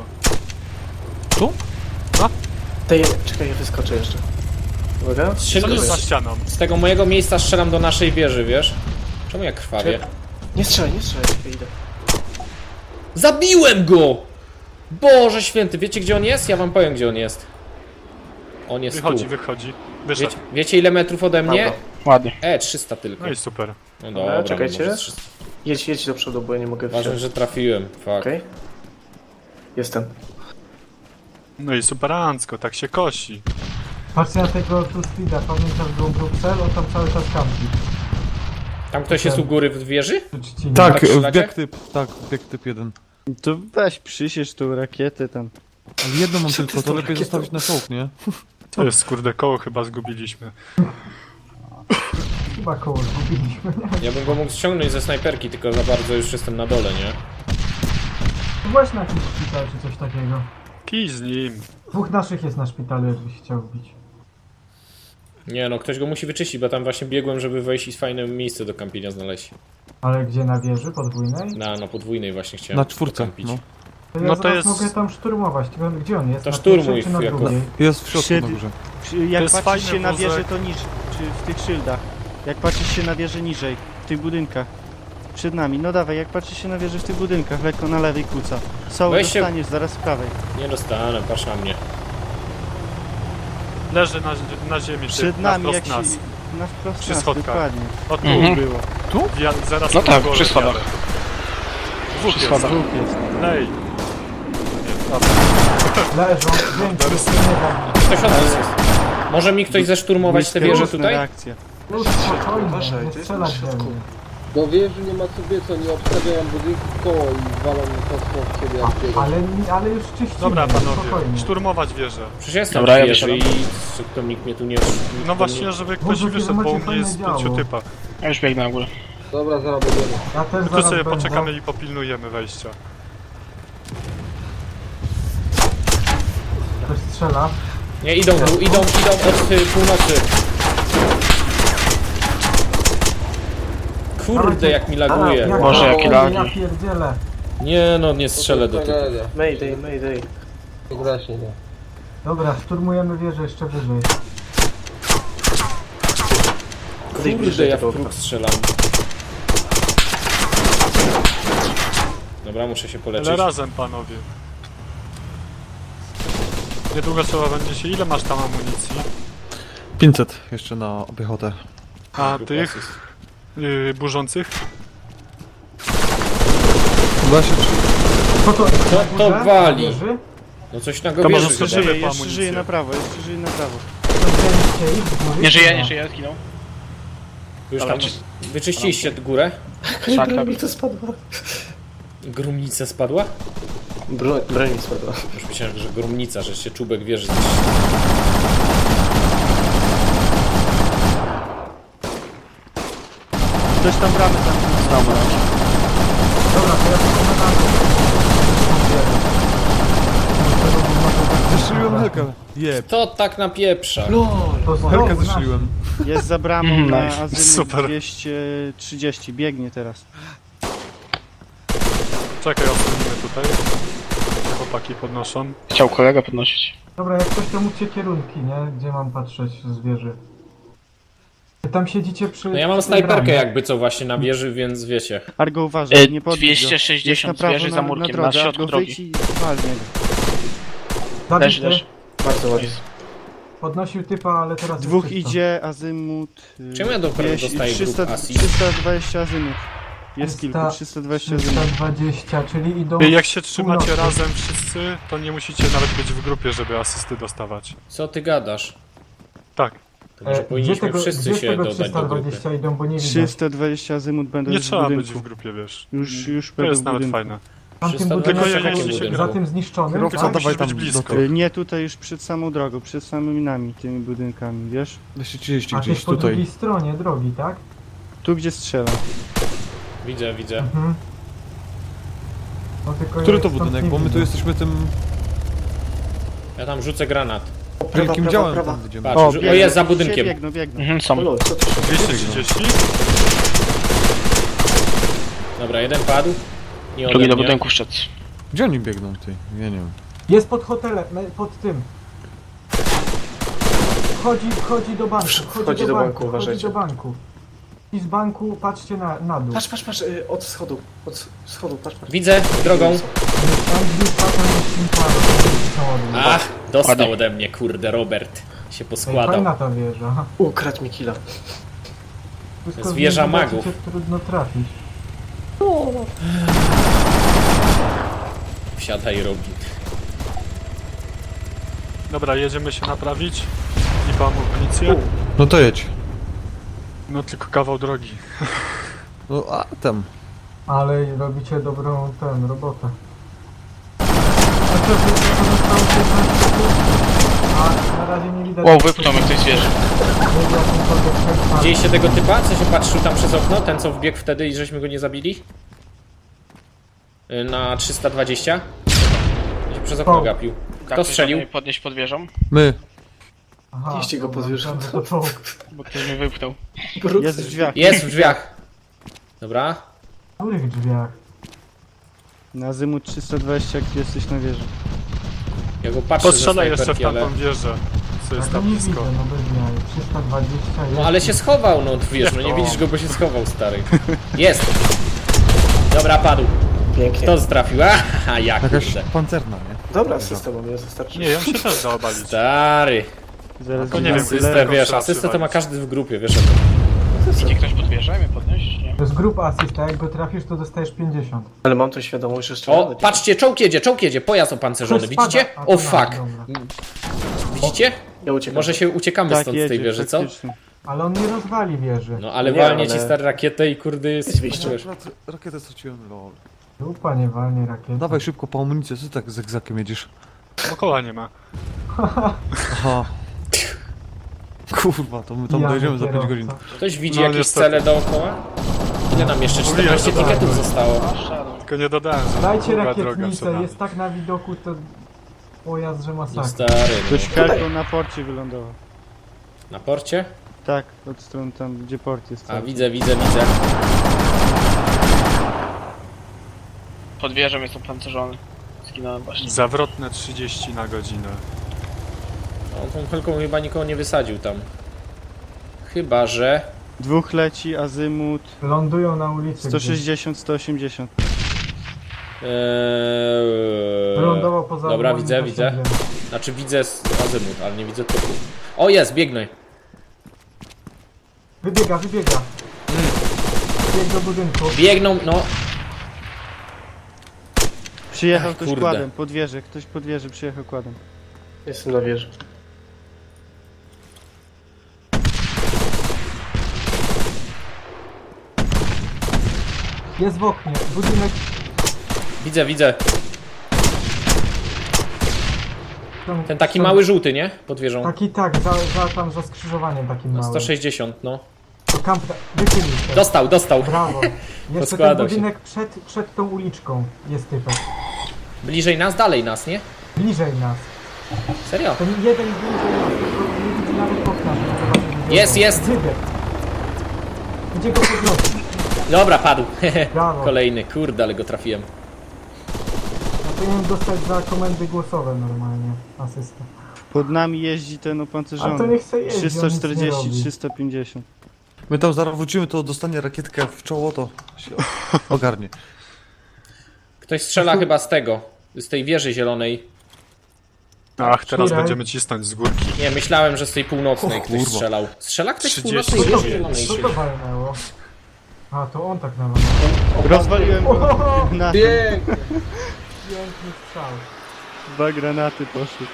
[SPEAKER 5] Daj, czekaj, ja wyskoczę jeszcze. Uwaga.
[SPEAKER 2] Co
[SPEAKER 3] Strzel-
[SPEAKER 2] jest za
[SPEAKER 3] z,
[SPEAKER 2] ścianą?
[SPEAKER 3] z tego mojego miejsca strzelam do naszej wieży, wiesz? Czemu ja krwawię?
[SPEAKER 5] Nie strzelaj, nie strzelaj, czekaj, idę.
[SPEAKER 3] Zabiłem go! Boże święty, wiecie gdzie on jest? Ja wam powiem gdzie on jest. On jest
[SPEAKER 2] Wychodzi,
[SPEAKER 3] tu.
[SPEAKER 2] wychodzi. Wyszedł.
[SPEAKER 3] Wiecie, wiecie ile metrów ode mnie?
[SPEAKER 5] Dobra.
[SPEAKER 8] Ładnie.
[SPEAKER 3] E, trzysta tylko.
[SPEAKER 2] No i super.
[SPEAKER 3] No
[SPEAKER 5] Dobra,
[SPEAKER 3] dobra,
[SPEAKER 5] czekajcie.
[SPEAKER 3] może trzysta.
[SPEAKER 5] Jedź, jedź do przodu, bo ja nie mogę
[SPEAKER 3] Ważne,
[SPEAKER 5] wsiąść.
[SPEAKER 3] że trafiłem. Fuck.
[SPEAKER 5] Okej. Jestem.
[SPEAKER 2] No i superancko, tak się kosi.
[SPEAKER 4] Patrzcie na tego tu speeda, pamiętasz go Bruksel? On tam cały czas kampi.
[SPEAKER 3] Tam ktoś jest u góry w wieży?
[SPEAKER 4] Przy trzcinie.
[SPEAKER 1] Tak,
[SPEAKER 3] Tak strzelacie?
[SPEAKER 1] bieg typ, tak, bieg typ jeden.
[SPEAKER 6] To weź przysiesz tą rakietę tam.
[SPEAKER 1] Ale jedną mam
[SPEAKER 5] Co ty
[SPEAKER 1] tylko,
[SPEAKER 5] z
[SPEAKER 1] to
[SPEAKER 5] tą
[SPEAKER 1] lepiej
[SPEAKER 5] rakietą?
[SPEAKER 1] zostawić na czołg, nie?
[SPEAKER 2] To jest kurde koło chyba zgubiliśmy.
[SPEAKER 4] Chyba koło zgubiliśmy, nie?
[SPEAKER 3] Ja bym go mógł ściągnąć ze snajperki, tylko za bardzo już jestem na dole, nie?
[SPEAKER 4] Właśnie na jakiś szpital czy coś takiego.
[SPEAKER 2] Kij z nim.
[SPEAKER 4] Dwóch naszych jest na szpitalu, jakbyś chciał wbić.
[SPEAKER 3] Nie no, ktoś go musi wyczyścić, bo tam właśnie biegłem, żeby wejść i fajne miejsce do kampienia znaleźć.
[SPEAKER 4] Ale gdzie, na wieży podwójnej?
[SPEAKER 3] Na, na podwójnej właśnie chciałem
[SPEAKER 1] Na czwórce,
[SPEAKER 3] pokampić.
[SPEAKER 1] no.
[SPEAKER 4] To ja
[SPEAKER 2] No to
[SPEAKER 4] zaraz
[SPEAKER 2] jest-
[SPEAKER 4] mogę tam szturmować, tylko gdzie on jest?
[SPEAKER 3] To
[SPEAKER 4] na
[SPEAKER 3] szturmuj,
[SPEAKER 4] pierwszej czy na
[SPEAKER 3] jako-
[SPEAKER 4] drugiej?
[SPEAKER 1] Jest w środku
[SPEAKER 6] Przy-
[SPEAKER 1] na górze.
[SPEAKER 6] Przy- Jak
[SPEAKER 2] jest
[SPEAKER 6] patrzysz
[SPEAKER 2] fajny
[SPEAKER 6] się na
[SPEAKER 2] wózek.
[SPEAKER 6] wieżę to niż, czy w tych szyldach. Jak patrzysz się na wieżę niżej, w tych budynkach. Przed nami, no dawaj, jak patrzysz się na wieżę w tych budynkach, lekko na lewej kuca. Są,
[SPEAKER 3] Weź się-
[SPEAKER 6] dostaniesz zaraz z prawej.
[SPEAKER 3] Nie dostanę, patrz na mnie.
[SPEAKER 2] Leży na, na ziemi,
[SPEAKER 6] Przed
[SPEAKER 2] ty,
[SPEAKER 6] nami,
[SPEAKER 2] na
[SPEAKER 6] jak
[SPEAKER 2] wprost
[SPEAKER 6] się...
[SPEAKER 2] nas.
[SPEAKER 6] Na wprost
[SPEAKER 2] Przy
[SPEAKER 6] nas,
[SPEAKER 2] schodkach.
[SPEAKER 6] dokładnie.
[SPEAKER 2] O tu
[SPEAKER 8] Mhm.
[SPEAKER 2] było.
[SPEAKER 1] Tu?
[SPEAKER 2] Ja, zaraz
[SPEAKER 8] No
[SPEAKER 2] na
[SPEAKER 8] tak,
[SPEAKER 2] głowę
[SPEAKER 8] przy schodach.
[SPEAKER 2] wjadę. Dwóch
[SPEAKER 8] Przy
[SPEAKER 2] jest.
[SPEAKER 8] schodach.
[SPEAKER 6] Dwóch jest.
[SPEAKER 2] Lej.
[SPEAKER 4] Leżą, więcej się nie da.
[SPEAKER 3] Ktoś od nas jest. Może mi ktoś zeszturmować tę wieżę
[SPEAKER 6] Błyskawiczna
[SPEAKER 3] tutaj?
[SPEAKER 6] reakcja.
[SPEAKER 4] Już spokojnie,
[SPEAKER 5] Uważaj,
[SPEAKER 4] nie
[SPEAKER 5] to jest
[SPEAKER 4] strzelać
[SPEAKER 5] na
[SPEAKER 4] we
[SPEAKER 5] środku.
[SPEAKER 4] mnie.
[SPEAKER 7] Do wieży nie ma co biec, oni obstawiają budynki w koło i walą kosmą w ciebie jak biegą.
[SPEAKER 4] Ale, ale już czyścimy,
[SPEAKER 2] Dobra panowie,
[SPEAKER 4] spokojnie.
[SPEAKER 2] szturmować wieżę.
[SPEAKER 3] Przecież jestem
[SPEAKER 8] Dobra,
[SPEAKER 3] w
[SPEAKER 8] ja
[SPEAKER 3] wieży i
[SPEAKER 8] wysiadam.
[SPEAKER 3] to nikt mnie tu nie... nikt
[SPEAKER 2] No
[SPEAKER 3] tu
[SPEAKER 2] właśnie,
[SPEAKER 3] nie...
[SPEAKER 2] żeby ktoś
[SPEAKER 4] Boże,
[SPEAKER 2] wyszedł, bo
[SPEAKER 4] macie
[SPEAKER 2] u mnie jest
[SPEAKER 4] fajne
[SPEAKER 2] pięciu
[SPEAKER 4] działo.
[SPEAKER 2] typa.
[SPEAKER 8] Ja już biegnę na górę.
[SPEAKER 7] Dobra, zaraz będziemy.
[SPEAKER 4] Ja też
[SPEAKER 2] Tu
[SPEAKER 4] zaraz
[SPEAKER 2] sobie
[SPEAKER 4] będę.
[SPEAKER 2] poczekamy i popilnujemy wejścia.
[SPEAKER 4] Ktoś strzela.
[SPEAKER 3] Nie, idą tu, idą, idą od y, północy. Kurde, jak mi laguje.
[SPEAKER 4] Jak
[SPEAKER 8] Boże,
[SPEAKER 4] to-
[SPEAKER 8] jakie
[SPEAKER 4] o,
[SPEAKER 8] lagi.
[SPEAKER 4] Ja pierdzielę.
[SPEAKER 3] Nie no, nie strzelę do typu.
[SPEAKER 7] Tragedia.
[SPEAKER 5] Mayday, mayday.
[SPEAKER 7] To właśnie nie.
[SPEAKER 4] Dobra, szturmujemy wieżę jeszcze wyżej.
[SPEAKER 5] Odejdź
[SPEAKER 3] Kurde,
[SPEAKER 5] bliżej
[SPEAKER 3] ja w
[SPEAKER 5] tego
[SPEAKER 3] próg
[SPEAKER 5] okna.
[SPEAKER 3] strzelam. Dobra, muszę się poleczyć.
[SPEAKER 2] Ale razem panowie. Niedługo trzeba będzie się... Ile masz tam amunicji?
[SPEAKER 1] pięćset jeszcze na piechotę.
[SPEAKER 2] A
[SPEAKER 3] Grupa
[SPEAKER 2] tych
[SPEAKER 3] asyst.
[SPEAKER 2] yy, burzących?
[SPEAKER 1] Chyba się
[SPEAKER 4] Co to,
[SPEAKER 3] Co
[SPEAKER 4] na
[SPEAKER 3] to
[SPEAKER 4] górze?
[SPEAKER 3] wali?
[SPEAKER 4] Na wieży?
[SPEAKER 3] No coś na
[SPEAKER 2] To
[SPEAKER 3] go
[SPEAKER 2] może
[SPEAKER 3] wieży
[SPEAKER 2] sobie
[SPEAKER 3] chyba.
[SPEAKER 2] żywy
[SPEAKER 6] Żyje,
[SPEAKER 2] po
[SPEAKER 6] jeszcze
[SPEAKER 2] amunicję.
[SPEAKER 6] żyje na prawo, jeszcze żyje na prawo.
[SPEAKER 4] To wzięliście ich z góry?
[SPEAKER 8] Nie żyje,
[SPEAKER 4] No.
[SPEAKER 8] nie żyje, zginął.
[SPEAKER 3] Już
[SPEAKER 8] Dobra,
[SPEAKER 3] tam
[SPEAKER 8] czy-
[SPEAKER 3] wyczyściliście górę?
[SPEAKER 8] Tak,
[SPEAKER 5] Broń
[SPEAKER 8] tak.
[SPEAKER 5] mi to spadła.
[SPEAKER 3] Grumnica spadła?
[SPEAKER 5] Broń, broń mi spadła.
[SPEAKER 3] Już myślałem, że grumnica, że się czubek wieży.
[SPEAKER 6] Ktoś tam bramę tam.
[SPEAKER 8] Dobra.
[SPEAKER 4] Dobra, to ja tylko na
[SPEAKER 1] Zestrzeliłem helkę. Jeb.
[SPEAKER 3] To tak napieprza.
[SPEAKER 4] To znowu
[SPEAKER 1] Helkę
[SPEAKER 4] nasz.
[SPEAKER 1] zestrzeliłem.
[SPEAKER 6] Jest za bramą
[SPEAKER 8] Mm,
[SPEAKER 6] na
[SPEAKER 8] nice.
[SPEAKER 6] azymut
[SPEAKER 2] Super.
[SPEAKER 6] dwieście trzydzieści. Biegnie teraz.
[SPEAKER 2] Czekaj, odsłonimy tutaj. Chłopaki podnoszą.
[SPEAKER 8] Chciał kolega podnosić.
[SPEAKER 4] Dobra, jak ktoś to mówcie kierunki, nie? Gdzie mam patrzeć z wieży? Wy tam siedzicie przy...
[SPEAKER 3] No ja mam
[SPEAKER 4] przy tej
[SPEAKER 3] snajperkę
[SPEAKER 4] bramie.
[SPEAKER 3] jakby co właśnie na wieży, więc wiecie.
[SPEAKER 6] Argo uważaj,
[SPEAKER 8] E,
[SPEAKER 6] nie podbij go.
[SPEAKER 8] dwieście sześćdziesiąt
[SPEAKER 6] Jest na prawo
[SPEAKER 8] wieży za
[SPEAKER 6] na,
[SPEAKER 8] murkiem,
[SPEAKER 6] na,
[SPEAKER 8] na
[SPEAKER 6] drodze,
[SPEAKER 8] środku
[SPEAKER 6] Argo
[SPEAKER 8] drogi.
[SPEAKER 6] wyjdź i walnie go.
[SPEAKER 8] Leży,
[SPEAKER 4] Zabity,
[SPEAKER 8] leży.
[SPEAKER 5] Bardzo ładnie.
[SPEAKER 4] podnosił typa, ale teraz
[SPEAKER 6] Dwóch
[SPEAKER 4] jest czysto.
[SPEAKER 6] idzie, azymut... y,
[SPEAKER 3] Czemu ja dopiero
[SPEAKER 6] dwieście-
[SPEAKER 3] dostaję grup
[SPEAKER 6] trzysta,
[SPEAKER 3] asist?
[SPEAKER 6] trzysta dwadzieścia azymut. Jest
[SPEAKER 4] trzysta
[SPEAKER 6] kilku, trzysta dwadzieścia azymut.
[SPEAKER 4] trzysta dwadzieścia, czyli idą...
[SPEAKER 2] I jak się trzymacie
[SPEAKER 4] północy.
[SPEAKER 2] razem wszyscy, to nie musicie nawet być w grupie, żeby asysty dostawać.
[SPEAKER 3] Co ty gadasz?
[SPEAKER 2] Tak.
[SPEAKER 3] To może
[SPEAKER 4] E,
[SPEAKER 3] powinniśmy
[SPEAKER 4] gdzie tego,
[SPEAKER 3] wszyscy
[SPEAKER 4] gdzie
[SPEAKER 3] się
[SPEAKER 4] tego
[SPEAKER 3] dodać
[SPEAKER 4] trzysta
[SPEAKER 3] do grupy.
[SPEAKER 4] dwadzieścia idą, bo nie widać.
[SPEAKER 6] trzysta dwadzieścia azymut będą
[SPEAKER 2] Nie
[SPEAKER 6] już w
[SPEAKER 2] trzeba być
[SPEAKER 6] budynku.
[SPEAKER 2] w grupie, wiesz.
[SPEAKER 6] Już, już
[SPEAKER 2] To
[SPEAKER 6] będą
[SPEAKER 2] jest
[SPEAKER 6] w
[SPEAKER 2] nawet
[SPEAKER 6] budynku.
[SPEAKER 2] fajne.
[SPEAKER 4] Tamtym
[SPEAKER 3] trzysta
[SPEAKER 4] budynkiem,
[SPEAKER 3] dwadzieścia
[SPEAKER 2] Tylko
[SPEAKER 3] w
[SPEAKER 2] ja-
[SPEAKER 3] budynku.
[SPEAKER 4] za tym zniszczonym,
[SPEAKER 1] Kierowca,
[SPEAKER 4] tak?
[SPEAKER 1] dawaj
[SPEAKER 2] Musisz
[SPEAKER 1] tam
[SPEAKER 2] być
[SPEAKER 1] do
[SPEAKER 2] blisko.
[SPEAKER 1] tyłu.
[SPEAKER 6] Y, Nie tutaj już przed samą drogą, przed samymi nami, tymi budynkami, wiesz?
[SPEAKER 1] dwieście trzydzieści
[SPEAKER 4] A ty
[SPEAKER 1] gdzieś
[SPEAKER 4] po drugiej
[SPEAKER 1] tutaj.
[SPEAKER 4] stronie drogi, tak?
[SPEAKER 6] Tu gdzie strzela.
[SPEAKER 3] Widzę, widzę.
[SPEAKER 4] Mhm. No, tylko
[SPEAKER 1] Który
[SPEAKER 4] ja
[SPEAKER 1] to
[SPEAKER 4] stąd
[SPEAKER 1] budynek?
[SPEAKER 4] nie
[SPEAKER 1] Bo my tu
[SPEAKER 4] widzę.
[SPEAKER 1] jesteśmy tym
[SPEAKER 3] Ja tam rzucę granat.
[SPEAKER 1] wielkim działem tam będziemy.
[SPEAKER 3] Patrz,
[SPEAKER 6] O,
[SPEAKER 3] o,
[SPEAKER 6] biegną,
[SPEAKER 3] jest za
[SPEAKER 6] się
[SPEAKER 3] budynkiem.
[SPEAKER 6] Biegną, biegną.
[SPEAKER 8] Mhm, są.
[SPEAKER 5] Olo, co to się...
[SPEAKER 2] dwieście trzydzieści?
[SPEAKER 3] Dobra, jeden padł. Nie ode
[SPEAKER 8] Drugi do
[SPEAKER 3] mnie.
[SPEAKER 8] budynku wszedł.
[SPEAKER 1] Gdzie oni biegną, ty? Ja nie wiem.
[SPEAKER 4] Jest pod hotelem, me- pod tym. Wchodzi, wchodzi do banku, wchodzi,
[SPEAKER 5] Wchodzi
[SPEAKER 4] do,
[SPEAKER 5] do
[SPEAKER 4] banku,
[SPEAKER 5] banku,
[SPEAKER 4] wchodzi
[SPEAKER 5] uważajcie.
[SPEAKER 4] do banku. I z banku patrzcie na, na dół.
[SPEAKER 5] Patrz, patrz, patrz, y, od schodu. Od schodu, patrz, patrz.
[SPEAKER 3] Widzę, drogą.
[SPEAKER 4] Tam gdzieś tam jest Impala, samochód.
[SPEAKER 3] Ach, dostał
[SPEAKER 8] Ładnie.
[SPEAKER 3] ode mnie, kurde, Robert. Się
[SPEAKER 4] Ej,
[SPEAKER 3] poskładał.
[SPEAKER 4] fajna ta wieża.
[SPEAKER 5] Ukradł mi killa.
[SPEAKER 4] Wszystko
[SPEAKER 3] jest wieża
[SPEAKER 4] z niej
[SPEAKER 3] magów.
[SPEAKER 4] cię trudno trafić.
[SPEAKER 3] Wsiadaj, Robin.
[SPEAKER 2] Dobra, jedziemy się naprawić. I mam amunicję.
[SPEAKER 1] No to jedź.
[SPEAKER 2] No tylko kawał drogi.
[SPEAKER 1] No a tam.
[SPEAKER 4] Ale robicie dobrą tę robotę. A co, wy- to zostało piętnaście sekund? A na razie nie widać.
[SPEAKER 8] Wow, wypchnął mnie ktoś z wieży.
[SPEAKER 4] Nie wie, jakimkolwiek przekaz.
[SPEAKER 3] Widzieliście tego typa, co się patrzył tam przez okno? Ten, co wbiegł wtedy i żeśmy go nie zabili? Y, Na trzysta dwadzieścia? Się przez okno
[SPEAKER 4] O.
[SPEAKER 3] gapił. Kto
[SPEAKER 8] Tak,
[SPEAKER 3] strzelił?
[SPEAKER 8] możemy podnieść pod wieżą,
[SPEAKER 1] My.
[SPEAKER 4] Aha,
[SPEAKER 5] Jeźdźcie go
[SPEAKER 4] dobra,
[SPEAKER 5] pod wieżą.
[SPEAKER 4] dobra, to czołg.
[SPEAKER 8] bo ktoś mnie wypchnął.
[SPEAKER 6] Jest w drzwiach.
[SPEAKER 3] Jest w drzwiach. Dobra.
[SPEAKER 4] W których drzwiach?
[SPEAKER 6] Na azymut trzysta dwadzieścia, jak ty jesteś na wieży.
[SPEAKER 3] Ja go patrzę ze
[SPEAKER 2] Postrzelaj jeszcze w
[SPEAKER 3] snajperki, ale...
[SPEAKER 2] tamtą wieżę, co
[SPEAKER 4] Ja
[SPEAKER 2] jest
[SPEAKER 4] go
[SPEAKER 2] tam
[SPEAKER 4] nie widzę,
[SPEAKER 2] blisko.
[SPEAKER 4] no bez jaj. trzysta dwadzieścia jest.
[SPEAKER 3] No ale się schował, no wiesz, no nie
[SPEAKER 2] to?
[SPEAKER 3] widzisz go, bo się schował, stary. Jest! Dobra, padł.
[SPEAKER 5] Pięknie.
[SPEAKER 3] Kto trafił? Aha, jak
[SPEAKER 1] Jakaś
[SPEAKER 3] kurde.
[SPEAKER 1] pancerna, nie?
[SPEAKER 5] Dobra, system mnie wystarczy.
[SPEAKER 2] Nie, ją się też da obalić.
[SPEAKER 3] Stary.
[SPEAKER 6] Zaraz
[SPEAKER 2] to nie
[SPEAKER 6] widzę
[SPEAKER 2] wiem,
[SPEAKER 6] tyle.
[SPEAKER 3] Asystę,
[SPEAKER 2] tylko
[SPEAKER 3] wiesz,
[SPEAKER 2] trzeba
[SPEAKER 3] asystę to ma
[SPEAKER 2] przywalić.
[SPEAKER 3] każdy w grupie, wiesz o tym.
[SPEAKER 8] Idzie ktoś pod wieżę, mnie podnieść? Nie.
[SPEAKER 4] To jest grupa asysta, jak go trafisz, to dostajesz pięćdziesiąt.
[SPEAKER 5] Ale mam tą świadomość, że
[SPEAKER 3] O,
[SPEAKER 5] strzelamy.
[SPEAKER 3] patrzcie, czołg jedzie, czołg jedzie, pojazd opancerzony,
[SPEAKER 4] Ktoś spada.
[SPEAKER 3] widzicie?
[SPEAKER 4] A,
[SPEAKER 3] O
[SPEAKER 4] to
[SPEAKER 3] fuck.
[SPEAKER 4] dobra.
[SPEAKER 3] Widzicie?
[SPEAKER 5] Ja uciekam.
[SPEAKER 3] Może się uciekamy
[SPEAKER 6] Tak,
[SPEAKER 3] stąd z
[SPEAKER 6] jedzie,
[SPEAKER 3] tej wieży, co?
[SPEAKER 6] faktycznie.
[SPEAKER 4] Ale on nie rozwali wieży.
[SPEAKER 3] No ale
[SPEAKER 5] Nie,
[SPEAKER 3] walnie ci
[SPEAKER 5] ale-
[SPEAKER 3] stary rakietę i kurde jest...
[SPEAKER 5] Jest wyjście.
[SPEAKER 3] wiesz.
[SPEAKER 1] Akurat rakietę straciłem, lol.
[SPEAKER 4] Grupa nie walnie rakiety.
[SPEAKER 1] Dawaj szybko po amunicję, co ty tak zegzakiem jedziesz?
[SPEAKER 2] Bo koła nie ma.
[SPEAKER 1] Aha. Kurwa, to my tam
[SPEAKER 4] Pijany
[SPEAKER 1] dojedziemy za pięć
[SPEAKER 4] kierowca.
[SPEAKER 1] godzin.
[SPEAKER 3] Ktoś widzi
[SPEAKER 2] No,
[SPEAKER 3] jakieś
[SPEAKER 2] niestety.
[SPEAKER 3] cele dookoła? Ile nam jeszcze?
[SPEAKER 2] Mówiłem,
[SPEAKER 3] czternaście
[SPEAKER 2] że tak.
[SPEAKER 3] tiketów zostało.
[SPEAKER 2] Tylko nie dodałem, że
[SPEAKER 4] Dajcie
[SPEAKER 2] długa droga
[SPEAKER 4] rakietnicę,
[SPEAKER 2] przed nami.
[SPEAKER 4] jest tak na widoku, to pojazd, że
[SPEAKER 3] No
[SPEAKER 4] masakra.
[SPEAKER 3] stary,
[SPEAKER 6] Ktoś
[SPEAKER 3] no.
[SPEAKER 6] helką na porcie wylądował.
[SPEAKER 3] Na porcie?
[SPEAKER 6] Tak, od strony tam, gdzie port jest.
[SPEAKER 3] A
[SPEAKER 6] cały.
[SPEAKER 3] widzę, widzę, widzę.
[SPEAKER 8] Pod wieżą jest opancerzony. Zginąłem właśnie.
[SPEAKER 2] Zawrotne trzydzieści na godzinę.
[SPEAKER 3] On tą helką chyba nikogo nie wysadził tam. Chyba, że...
[SPEAKER 6] Dwóch leci, azymut
[SPEAKER 4] Lądują na ulicy.
[SPEAKER 6] sto sześćdziesiąt, sto osiemdziesiąt.
[SPEAKER 3] Eee...
[SPEAKER 4] Wylądował poza
[SPEAKER 3] Dobra,
[SPEAKER 4] moim
[SPEAKER 3] widzę, widzę.
[SPEAKER 4] zasięgiem.
[SPEAKER 3] Znaczy widzę z azymut, ale nie widzę typu. O, jest, biegnę.
[SPEAKER 4] Wybiega, wybiega. Bieg do budynku.
[SPEAKER 3] Biegną, no.
[SPEAKER 6] Przyjechał
[SPEAKER 3] Ach,
[SPEAKER 6] ktoś
[SPEAKER 3] kurde.
[SPEAKER 6] kładem, pod wieżę, ktoś pod wieżę przyjechał kładem.
[SPEAKER 5] Jestem na wieży.
[SPEAKER 4] Jest w oknie. Budynek.
[SPEAKER 3] Widzę, widzę.
[SPEAKER 4] Tam,
[SPEAKER 3] Ten taki
[SPEAKER 4] tam-
[SPEAKER 3] mały żółty, nie? Pod wieżą.
[SPEAKER 4] Taki tak, za, za tam za skrzyżowaniem takim
[SPEAKER 3] No,
[SPEAKER 4] małym.
[SPEAKER 3] sto sześćdziesiąt, no.
[SPEAKER 4] To kamp... Wychylił się.
[SPEAKER 3] Dostał, dostał.
[SPEAKER 4] Brawo. Jeszcze ten
[SPEAKER 3] Poskładał się.
[SPEAKER 4] budynek przed, przed tą uliczką jest typek.
[SPEAKER 3] Bliżej nas, dalej nas, nie?
[SPEAKER 4] Bliżej nas.
[SPEAKER 3] Serio?
[SPEAKER 4] Ten jeden bliżej nas, tylko nie widzi nawet okna, żeby zobaczyć, gdzie
[SPEAKER 3] Jest,
[SPEAKER 4] są.
[SPEAKER 3] jest.
[SPEAKER 4] Wybieg. Gdzie go podnosić?
[SPEAKER 3] Dobra, padł.
[SPEAKER 4] Brawo.
[SPEAKER 3] Kolejny, kurde, ale go trafiłem.
[SPEAKER 4] Ja powinienem dostać za komendy głosowe normalnie asystę.
[SPEAKER 6] Pod nami jeździ ten
[SPEAKER 4] A to
[SPEAKER 6] opancerzony.
[SPEAKER 4] nie chce jeździć,
[SPEAKER 6] trzysta
[SPEAKER 4] on nic nie
[SPEAKER 6] czterdzieści,
[SPEAKER 4] robi.
[SPEAKER 6] trzysta pięćdziesiąt.
[SPEAKER 1] My tam zaraz wrócimy, to dostanie rakietkę w czoło, to się ogarnie.
[SPEAKER 3] Ktoś strzela chyba z tego, z tej wieży zielonej.
[SPEAKER 2] Ach, teraz
[SPEAKER 4] Której?
[SPEAKER 2] będziemy cisnąć z górki.
[SPEAKER 3] Nie, myślałem, że z tej północnej
[SPEAKER 1] O
[SPEAKER 3] ktoś
[SPEAKER 1] kurwa.
[SPEAKER 3] strzelał. Strzela ktoś z
[SPEAKER 2] trzydzieści
[SPEAKER 3] północnej
[SPEAKER 4] Co
[SPEAKER 3] wieży
[SPEAKER 4] to,
[SPEAKER 3] zielonej.
[SPEAKER 4] co
[SPEAKER 3] czyli-
[SPEAKER 4] to walnęło? A, to on tak nawalał.
[SPEAKER 6] Rozwaliłem go na
[SPEAKER 7] Pięknie.
[SPEAKER 4] Piękny strzał.
[SPEAKER 6] dwa granaty poszły.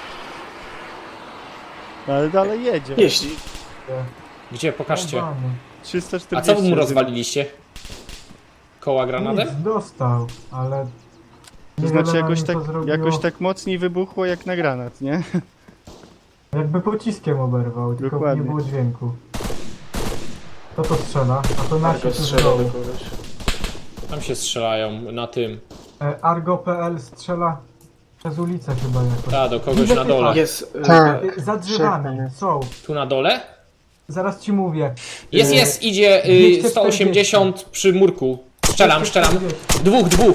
[SPEAKER 6] Ale dalej jedzie.
[SPEAKER 5] Jeśli.
[SPEAKER 3] Gdzie? Pokażcie.
[SPEAKER 4] Jebany.
[SPEAKER 6] trzysta
[SPEAKER 3] A
[SPEAKER 6] czterdzieści.
[SPEAKER 3] co mu rozwaliliście? Koła granatem?
[SPEAKER 4] Nic, dostał, ale...
[SPEAKER 6] To
[SPEAKER 4] niewiele
[SPEAKER 6] znaczy
[SPEAKER 4] nam
[SPEAKER 6] jakoś
[SPEAKER 4] to
[SPEAKER 6] tak,
[SPEAKER 4] zrobiło.
[SPEAKER 6] jakoś tak mocniej wybuchło jak na granat, nie?
[SPEAKER 4] Jakby pociskiem oberwał, tylko
[SPEAKER 6] Dokładnie.
[SPEAKER 4] nie było dźwięku. Kto to strzela? A to nasi
[SPEAKER 5] Argo
[SPEAKER 4] tu z
[SPEAKER 5] strzela do
[SPEAKER 4] dołu.
[SPEAKER 5] kogoś.
[SPEAKER 3] Tam się strzelają, na tym.
[SPEAKER 4] E, Argo kropka pe el strzela przez ulicę chyba jakoś.
[SPEAKER 3] Ta, do kogoś
[SPEAKER 4] Widzę
[SPEAKER 3] na
[SPEAKER 4] typa.
[SPEAKER 3] dole.
[SPEAKER 5] Jest. e,
[SPEAKER 7] Tak.
[SPEAKER 4] E, Za drzewami, są.
[SPEAKER 3] Tu na dole?
[SPEAKER 4] Zaraz ci mówię.
[SPEAKER 3] Jest,
[SPEAKER 4] E,
[SPEAKER 3] jest, idzie y,
[SPEAKER 4] dwieście
[SPEAKER 3] sto osiemdziesiąt przy murku. Strzelam, strzelam.
[SPEAKER 4] dwieście czterdzieści.
[SPEAKER 3] Dwóch, dwóch.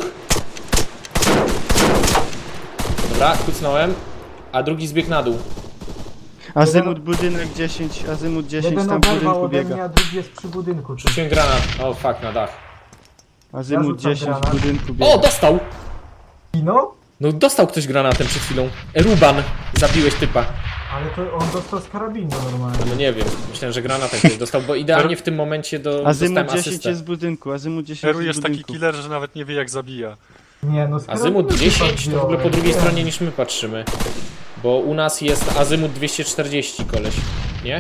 [SPEAKER 3] Dobra, kucnąłem. A drugi zbiegł na dół.
[SPEAKER 6] Azymut budynek dziesięć, azymut dziesięć
[SPEAKER 4] Jeden
[SPEAKER 6] tam w
[SPEAKER 4] oberwał
[SPEAKER 6] budynku
[SPEAKER 4] ode mnie,
[SPEAKER 6] biega.
[SPEAKER 4] a drugi jest przy budynku. tu.
[SPEAKER 3] Rzuciłem granat. O, fuck, na dach.
[SPEAKER 6] Azymut
[SPEAKER 4] Ja rzucam
[SPEAKER 6] dziesięć w
[SPEAKER 4] granat.
[SPEAKER 6] budynku biega.
[SPEAKER 3] O, dostał!
[SPEAKER 4] Kino?
[SPEAKER 3] No, dostał ktoś granatem przed chwilą. Ruban, zabiłeś typa.
[SPEAKER 4] Ale to on dostał z karabinu normalnie.
[SPEAKER 3] No nie wiem, myślałem, że granatem ktoś dostał, bo idealnie w tym momencie do,
[SPEAKER 6] Azymut
[SPEAKER 3] dostałem
[SPEAKER 6] dziesięć
[SPEAKER 3] asystę.
[SPEAKER 6] jest w budynku, azymut dziesięć
[SPEAKER 2] Heru
[SPEAKER 6] jest
[SPEAKER 2] jest
[SPEAKER 6] w
[SPEAKER 2] taki
[SPEAKER 6] budynku.
[SPEAKER 2] killer, że nawet nie wie jak zabija.
[SPEAKER 4] Nie no, z
[SPEAKER 3] Azymut
[SPEAKER 4] karabinu
[SPEAKER 3] dziesięć to w ogóle po
[SPEAKER 4] wziąłem.
[SPEAKER 3] drugiej
[SPEAKER 4] Nie.
[SPEAKER 3] stronie niż my patrzymy. Bo u nas jest azymut dwieście czterdzieści, koleś. Nie?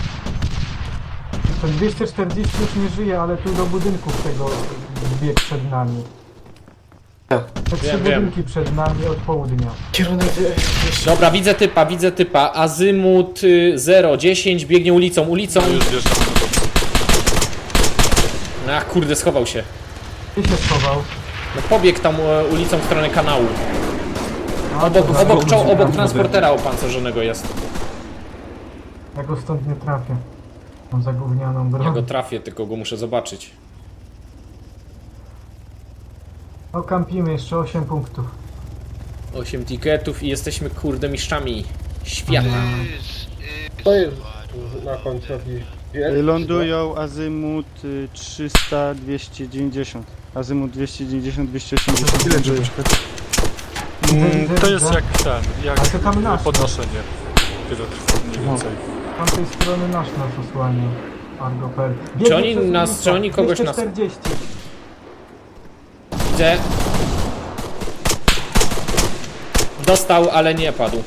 [SPEAKER 4] To dwieście czterdzieści już nie żyje, ale tu do budynków tego bieg przed nami.
[SPEAKER 5] Tak.
[SPEAKER 4] Te trzy
[SPEAKER 3] Wiem, wiem.
[SPEAKER 4] budynki przed nami od południa.
[SPEAKER 5] Kierunek. e,
[SPEAKER 3] Dobra, widzę typa, widzę typa. Azymut y, zero dziesięć biegnie ulicą, ulicą.
[SPEAKER 2] No już wjeżdżamy na to.
[SPEAKER 3] Ach, kurde, schował się.
[SPEAKER 4] Gdzie się schował?
[SPEAKER 3] No pobiegł tam e, ulicą w stronę kanału.
[SPEAKER 4] A,
[SPEAKER 3] Obok,
[SPEAKER 4] dobra,
[SPEAKER 3] obok, czoł, obok
[SPEAKER 4] ja
[SPEAKER 3] transportera opancerzonego jest.
[SPEAKER 4] Ja go stąd nie trafię. Mam zagównianą broń.
[SPEAKER 3] Ja go trafię, tylko go muszę zobaczyć.
[SPEAKER 4] No kampimy, jeszcze osiem punktów.
[SPEAKER 3] osiem tiketów i jesteśmy kurde mistrzami świata.
[SPEAKER 7] To jest na końcu jakiś
[SPEAKER 6] Y, Lądują azymut y, trzysta, dwieście dziewięćdziesiąt. Azymut dwieście dziewięćdziesiąt, dwieście osiemdziesiąt.
[SPEAKER 1] Ile trzeba czekać?
[SPEAKER 2] Mm, to jest jak ten, jak
[SPEAKER 4] Ale to tam nasz.
[SPEAKER 2] podnoszenie. Tyle trwa mniej więcej.
[SPEAKER 4] Z tamtej strony nasz nas osłania. Argo kropka pe el. Biegnie
[SPEAKER 3] Czy oni
[SPEAKER 4] przez
[SPEAKER 3] nas-
[SPEAKER 4] ulicę.
[SPEAKER 3] czy oni kogoś nas-
[SPEAKER 4] dwieście czterdzieści.
[SPEAKER 3] Widzę. Dostał, ale nie padł.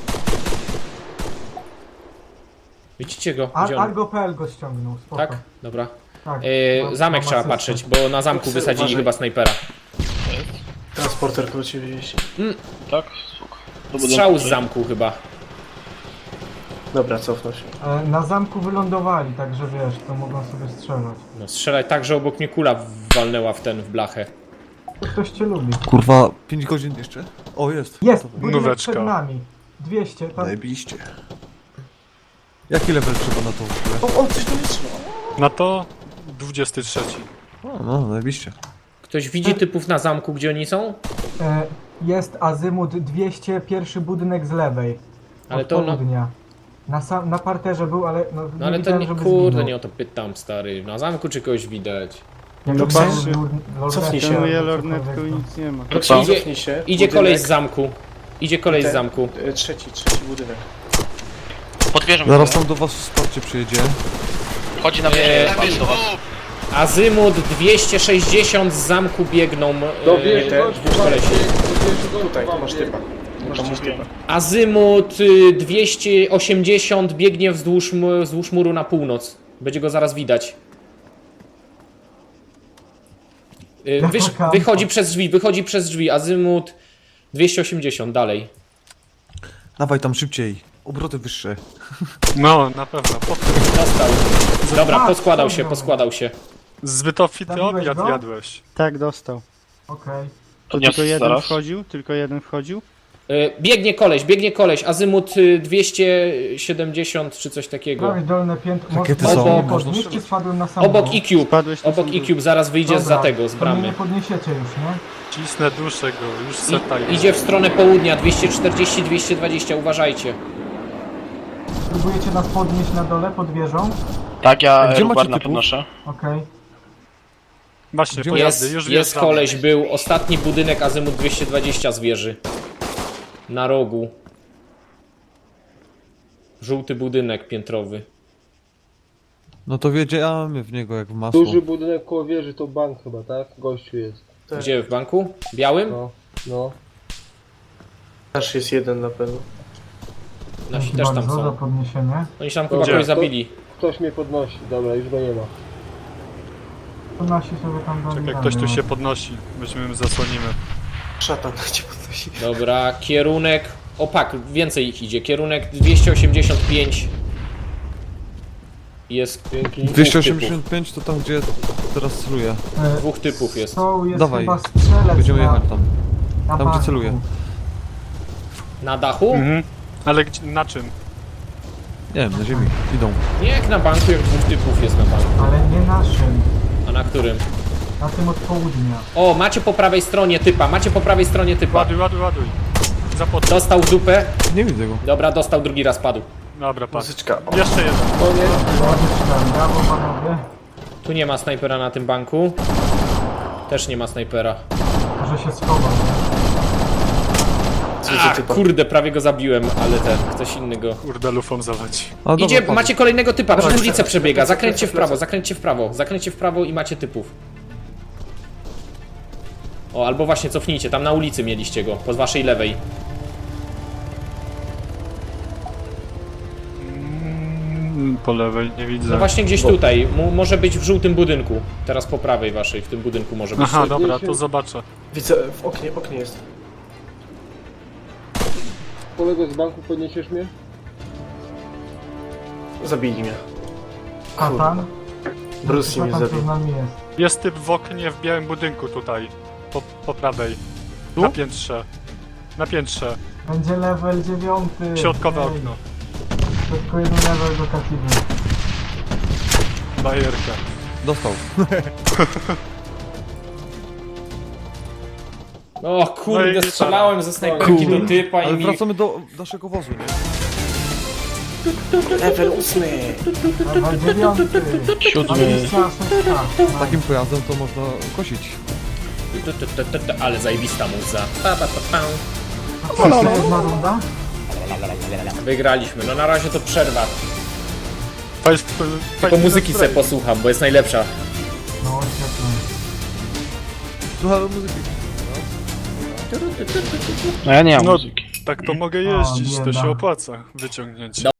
[SPEAKER 3] Widzicie go?
[SPEAKER 4] Ar
[SPEAKER 3] Gdzie on?
[SPEAKER 4] Argo kropka pe el go ściągnął, spoko.
[SPEAKER 3] Tak? Dobra.
[SPEAKER 4] Tak.
[SPEAKER 3] Yy,
[SPEAKER 4] Mam-
[SPEAKER 3] zamek
[SPEAKER 4] mam
[SPEAKER 3] trzeba
[SPEAKER 4] asystę.
[SPEAKER 3] patrzeć, bo na zamku wysadzili
[SPEAKER 5] Uważaj.
[SPEAKER 3] chyba snajpera.
[SPEAKER 5] Transporter koło ciebie jeździ.
[SPEAKER 8] Tak? Spoko. Do
[SPEAKER 3] Strzał z
[SPEAKER 8] budynku.
[SPEAKER 3] zamku chyba.
[SPEAKER 5] Dobra, cofnął się.
[SPEAKER 4] E, Na zamku wylądowali, także wiesz, to mogą sobie strzelać.
[SPEAKER 3] No strzelaj tak, że obok mnie kula walnęła w ten, w blachę.
[SPEAKER 4] To ktoś cię lubi.
[SPEAKER 1] Kurwa, pięć godzin jeszcze? O, jest.
[SPEAKER 4] Jest,
[SPEAKER 1] Gotowe.
[SPEAKER 4] budynek
[SPEAKER 2] Nóweczka.
[SPEAKER 4] przed nami. dwieście, tam...
[SPEAKER 1] Zajebiście. Jaki level trzeba na to w ogóle?
[SPEAKER 5] O, o, coś do mnie trzyma.
[SPEAKER 2] Na to dwudziesty trzeci.
[SPEAKER 1] O, no, zajebiście.
[SPEAKER 3] Ktoś widzi typów na zamku, gdzie oni są?
[SPEAKER 4] E, Jest azymut dwieście, pierwszy budynek z lewej.
[SPEAKER 3] Ale
[SPEAKER 4] od
[SPEAKER 3] to no-
[SPEAKER 4] południa. Na, sam, na parterze był, ale no,
[SPEAKER 3] No ale to
[SPEAKER 4] widziałem,
[SPEAKER 3] nie,
[SPEAKER 4] żeby
[SPEAKER 3] kurde,
[SPEAKER 4] zginął.
[SPEAKER 3] nie o to pytam, stary. Na zamku czy kogoś widać?
[SPEAKER 4] Jak
[SPEAKER 6] No
[SPEAKER 4] był
[SPEAKER 6] patrzy.
[SPEAKER 4] lor- lornetką
[SPEAKER 5] Cofnij się.
[SPEAKER 4] albo
[SPEAKER 6] Szanuję
[SPEAKER 4] cokolwiek,
[SPEAKER 6] lornetką i
[SPEAKER 4] to-
[SPEAKER 6] nic nie ma.
[SPEAKER 3] Co? Idzie,
[SPEAKER 5] Cofnij się.
[SPEAKER 3] idzie
[SPEAKER 5] budynek,
[SPEAKER 3] kolej z zamku. Idzie kolej z
[SPEAKER 5] Ten-
[SPEAKER 3] zamku.
[SPEAKER 5] e, Trzeci, trzeci budynek.
[SPEAKER 8] Podwierzę mi
[SPEAKER 1] Zaraz
[SPEAKER 8] to.
[SPEAKER 1] tam do was wsparcie przyjedzie.
[SPEAKER 8] Chodzi na
[SPEAKER 3] Nie,
[SPEAKER 8] wieżę do was.
[SPEAKER 3] Azymut dwieście sześćdziesiąt z zamku biegną.
[SPEAKER 7] Do
[SPEAKER 3] e,
[SPEAKER 7] wieży
[SPEAKER 5] te
[SPEAKER 7] gościu
[SPEAKER 3] dwóch
[SPEAKER 7] wam
[SPEAKER 3] kolesi.
[SPEAKER 7] biegnie, do wieży gościu
[SPEAKER 5] Tutaj, tu
[SPEAKER 7] wam
[SPEAKER 5] masz
[SPEAKER 7] biegnie.
[SPEAKER 5] typa. Tu masz gdzieś typa.
[SPEAKER 3] Azymut y, dwieście osiemdziesiąt biegnie wzdłuż, mu- wzdłuż muru na północ. Będzie go zaraz widać. Y,
[SPEAKER 4] Jaka
[SPEAKER 3] Wysz,
[SPEAKER 4] kampa?
[SPEAKER 3] wychodzi przez drzwi, wychodzi przez drzwi. Azymut dwieście osiemdziesiąt dalej.
[SPEAKER 1] Dawaj tam szybciej. obroty wyższe.
[SPEAKER 2] No, na pewno. Po...
[SPEAKER 3] Dostał. Dobra,
[SPEAKER 4] A,
[SPEAKER 3] poskładał się,
[SPEAKER 4] ściągnął.
[SPEAKER 3] poskładał się.
[SPEAKER 2] Zbyt obfity
[SPEAKER 4] Zabiłeś
[SPEAKER 2] obiad
[SPEAKER 4] go?
[SPEAKER 2] jadłeś.
[SPEAKER 6] Tak, dostał.
[SPEAKER 4] Okej.
[SPEAKER 6] To
[SPEAKER 8] Podniosę
[SPEAKER 6] tylko jeden
[SPEAKER 8] zaraz.
[SPEAKER 6] wchodził? Tylko jeden wchodził?
[SPEAKER 3] Y, Biegnie koleś, biegnie koleś. Azymut y, dwieście siedemdziesiąt czy coś takiego.
[SPEAKER 4] Prawie dolne piętro.
[SPEAKER 1] Rakiety
[SPEAKER 4] Można
[SPEAKER 3] są,
[SPEAKER 4] mnie
[SPEAKER 1] można
[SPEAKER 4] podnieść,
[SPEAKER 1] strzelać.
[SPEAKER 4] czy spadłem na sam
[SPEAKER 3] Obok
[SPEAKER 4] dół?
[SPEAKER 3] E-Cube.
[SPEAKER 6] Spadłeś na
[SPEAKER 3] Obok
[SPEAKER 6] sam dół.
[SPEAKER 3] E-Cube, zaraz wyjdzie
[SPEAKER 4] Dobra,
[SPEAKER 3] za tego, z
[SPEAKER 4] to mnie
[SPEAKER 3] bramy.
[SPEAKER 4] nie podniesiecie już, nie?
[SPEAKER 2] Cisnę duszę go, już seta
[SPEAKER 3] I,
[SPEAKER 2] jest.
[SPEAKER 3] idzie w stronę południa, dwieście czterdzieści dwieście dwadzieścia, uważajcie.
[SPEAKER 4] Próbujecie nas podnieść na dole pod wieżą?
[SPEAKER 8] Tak, ja
[SPEAKER 1] Gdzie macie
[SPEAKER 8] Rubarna
[SPEAKER 1] typów?
[SPEAKER 8] podnoszę.
[SPEAKER 4] Okej.
[SPEAKER 2] Właśnie,
[SPEAKER 1] Gdzie
[SPEAKER 2] pojazdy,
[SPEAKER 3] Jest,
[SPEAKER 2] już
[SPEAKER 3] jest
[SPEAKER 2] wjeżdżamy.
[SPEAKER 3] koleś, był ostatni budynek Azymut dwieście dwadzieścia z wieży. Na rogu. Żółty budynek piętrowy.
[SPEAKER 1] No to wiedziałem w niego jak w masło.
[SPEAKER 7] Duży budynek koło wieży to bank chyba, tak? Gościu jest.
[SPEAKER 3] Gdzie, w banku? Białym?
[SPEAKER 7] No, no.
[SPEAKER 5] Nasz jest jeden na pewno.
[SPEAKER 3] Nasi
[SPEAKER 4] Dzięki
[SPEAKER 3] też tam
[SPEAKER 4] bardzo za
[SPEAKER 3] są.
[SPEAKER 4] podniesienie.
[SPEAKER 3] Oni tam chyba
[SPEAKER 7] Gdzie?
[SPEAKER 3] kogoś zabili.
[SPEAKER 7] Ktoś mnie podnosi. Dobra, już go nie ma.
[SPEAKER 4] To nasi sobie tam dali
[SPEAKER 2] Czekaj,
[SPEAKER 4] radę,
[SPEAKER 2] ktoś tu
[SPEAKER 4] no.
[SPEAKER 2] się podnosi. Weźmiemy, zasłonimy.
[SPEAKER 5] Szatan cię podnosi.
[SPEAKER 3] Dobra, kierunek... Opak, więcej ich idzie. Kierunek dwieście osiemdziesiąt pięć. Jest...
[SPEAKER 7] Dzięki.
[SPEAKER 1] dwieście osiemdziesiąt pięć to tam gdzie teraz celuję.
[SPEAKER 4] E,
[SPEAKER 3] Dwóch typów jest.
[SPEAKER 4] Są, jest
[SPEAKER 1] Dawaj.
[SPEAKER 4] chyba strzelec
[SPEAKER 1] Będziemy
[SPEAKER 4] na,
[SPEAKER 1] jechać tam.
[SPEAKER 4] na
[SPEAKER 1] tam, gdzie
[SPEAKER 4] banku.
[SPEAKER 1] celuję.
[SPEAKER 3] Na dachu?
[SPEAKER 2] Mhm. Ale gdzie, na czym?
[SPEAKER 1] Nie wiem, na ziemi. Idą.
[SPEAKER 3] Nie jak na banku, jak dwóch typów jest na banku.
[SPEAKER 4] Ale nie naszym.
[SPEAKER 3] A na którym?
[SPEAKER 4] Na tym od południa.
[SPEAKER 3] O, macie po prawej stronie typa, macie po prawej stronie typa.
[SPEAKER 2] Ładuj, ładuj, ładuj. Zapod...
[SPEAKER 3] Dostał w dupę.
[SPEAKER 1] Nie widzę go.
[SPEAKER 3] Dobra, dostał, drugi raz padł.
[SPEAKER 2] Dobra, patrz.
[SPEAKER 5] Muzyczka. O,
[SPEAKER 2] Jeszcze jeden.
[SPEAKER 7] Koniec.
[SPEAKER 4] Ładnie, brawo panowie.
[SPEAKER 3] Tu nie ma snajpera na tym banku. Też nie ma snajpera.
[SPEAKER 4] Może się schował.
[SPEAKER 5] słyszę
[SPEAKER 3] Ach,
[SPEAKER 5] typa.
[SPEAKER 3] kurde, prawie go zabiłem, ale ten, ktoś inny go.
[SPEAKER 2] Kurde, lufą zawodzi.
[SPEAKER 1] A, dobra,
[SPEAKER 3] Idzie,
[SPEAKER 1] padł.
[SPEAKER 3] macie kolejnego typa, przez
[SPEAKER 5] Dawaj,
[SPEAKER 3] ulicę
[SPEAKER 5] dawaj,
[SPEAKER 3] przebiega,
[SPEAKER 5] dawaj,
[SPEAKER 3] zakręćcie w
[SPEAKER 5] dawaj,
[SPEAKER 3] prawo, zakręćcie w prawo, zakręćcie w prawo i macie typów. O, albo właśnie cofnijcie, tam na ulicy mieliście go, po waszej lewej.
[SPEAKER 2] Mm, po lewej nie widzę.
[SPEAKER 3] No właśnie gdzieś tutaj, mu, może być w żółtym budynku. Teraz po prawej waszej, w tym budynku może być.
[SPEAKER 2] Aha, dobra, to zobaczę.
[SPEAKER 5] Widzę, w oknie, oknie jest.
[SPEAKER 7] Kolego z banku podniesiesz mnie?
[SPEAKER 5] Zabili mnie.
[SPEAKER 4] Katan?
[SPEAKER 5] Bruce mnie
[SPEAKER 4] Katan co
[SPEAKER 5] zabił.
[SPEAKER 4] z nami jest.
[SPEAKER 2] Jest typ w oknie w białym budynku tutaj. Po, po prawej.
[SPEAKER 1] Tu?
[SPEAKER 2] Na piętrze. Na piętrze.
[SPEAKER 4] Będzie level dziewiąty.
[SPEAKER 2] Środkowe
[SPEAKER 4] Ej,
[SPEAKER 2] okno.
[SPEAKER 4] Tylko jeden level do Katiby.
[SPEAKER 2] Bajerka.
[SPEAKER 1] Dostał.
[SPEAKER 3] O
[SPEAKER 2] No
[SPEAKER 3] kurde,
[SPEAKER 2] i gitara.
[SPEAKER 3] strzelałem ze snajperki
[SPEAKER 1] Kurde.
[SPEAKER 3] do typa i
[SPEAKER 1] Ale
[SPEAKER 3] mi...
[SPEAKER 1] wracamy do naszego wozu, nie?
[SPEAKER 5] Level ósmy.
[SPEAKER 4] Level dziewiąty.
[SPEAKER 8] Siódmy.
[SPEAKER 1] Z takim pojazdem to można kosić.
[SPEAKER 3] Tu, tu, tu, tu, tu, ale zajebista muza. Pa, pa, pa, pa.
[SPEAKER 4] Jeszcze jedna runda?
[SPEAKER 3] Wygraliśmy, no na razie to przerwa.
[SPEAKER 2] Fajs,
[SPEAKER 3] Tylko muzyki se posłucham, bo jest najlepsza.
[SPEAKER 4] No świetnie.
[SPEAKER 1] Słuchaj muzyki.
[SPEAKER 8] No ja nie mam
[SPEAKER 2] No,
[SPEAKER 8] muzyki.
[SPEAKER 2] tak to mogę jeździć, to
[SPEAKER 4] bieda.
[SPEAKER 2] się opłaca wyciągnięcie.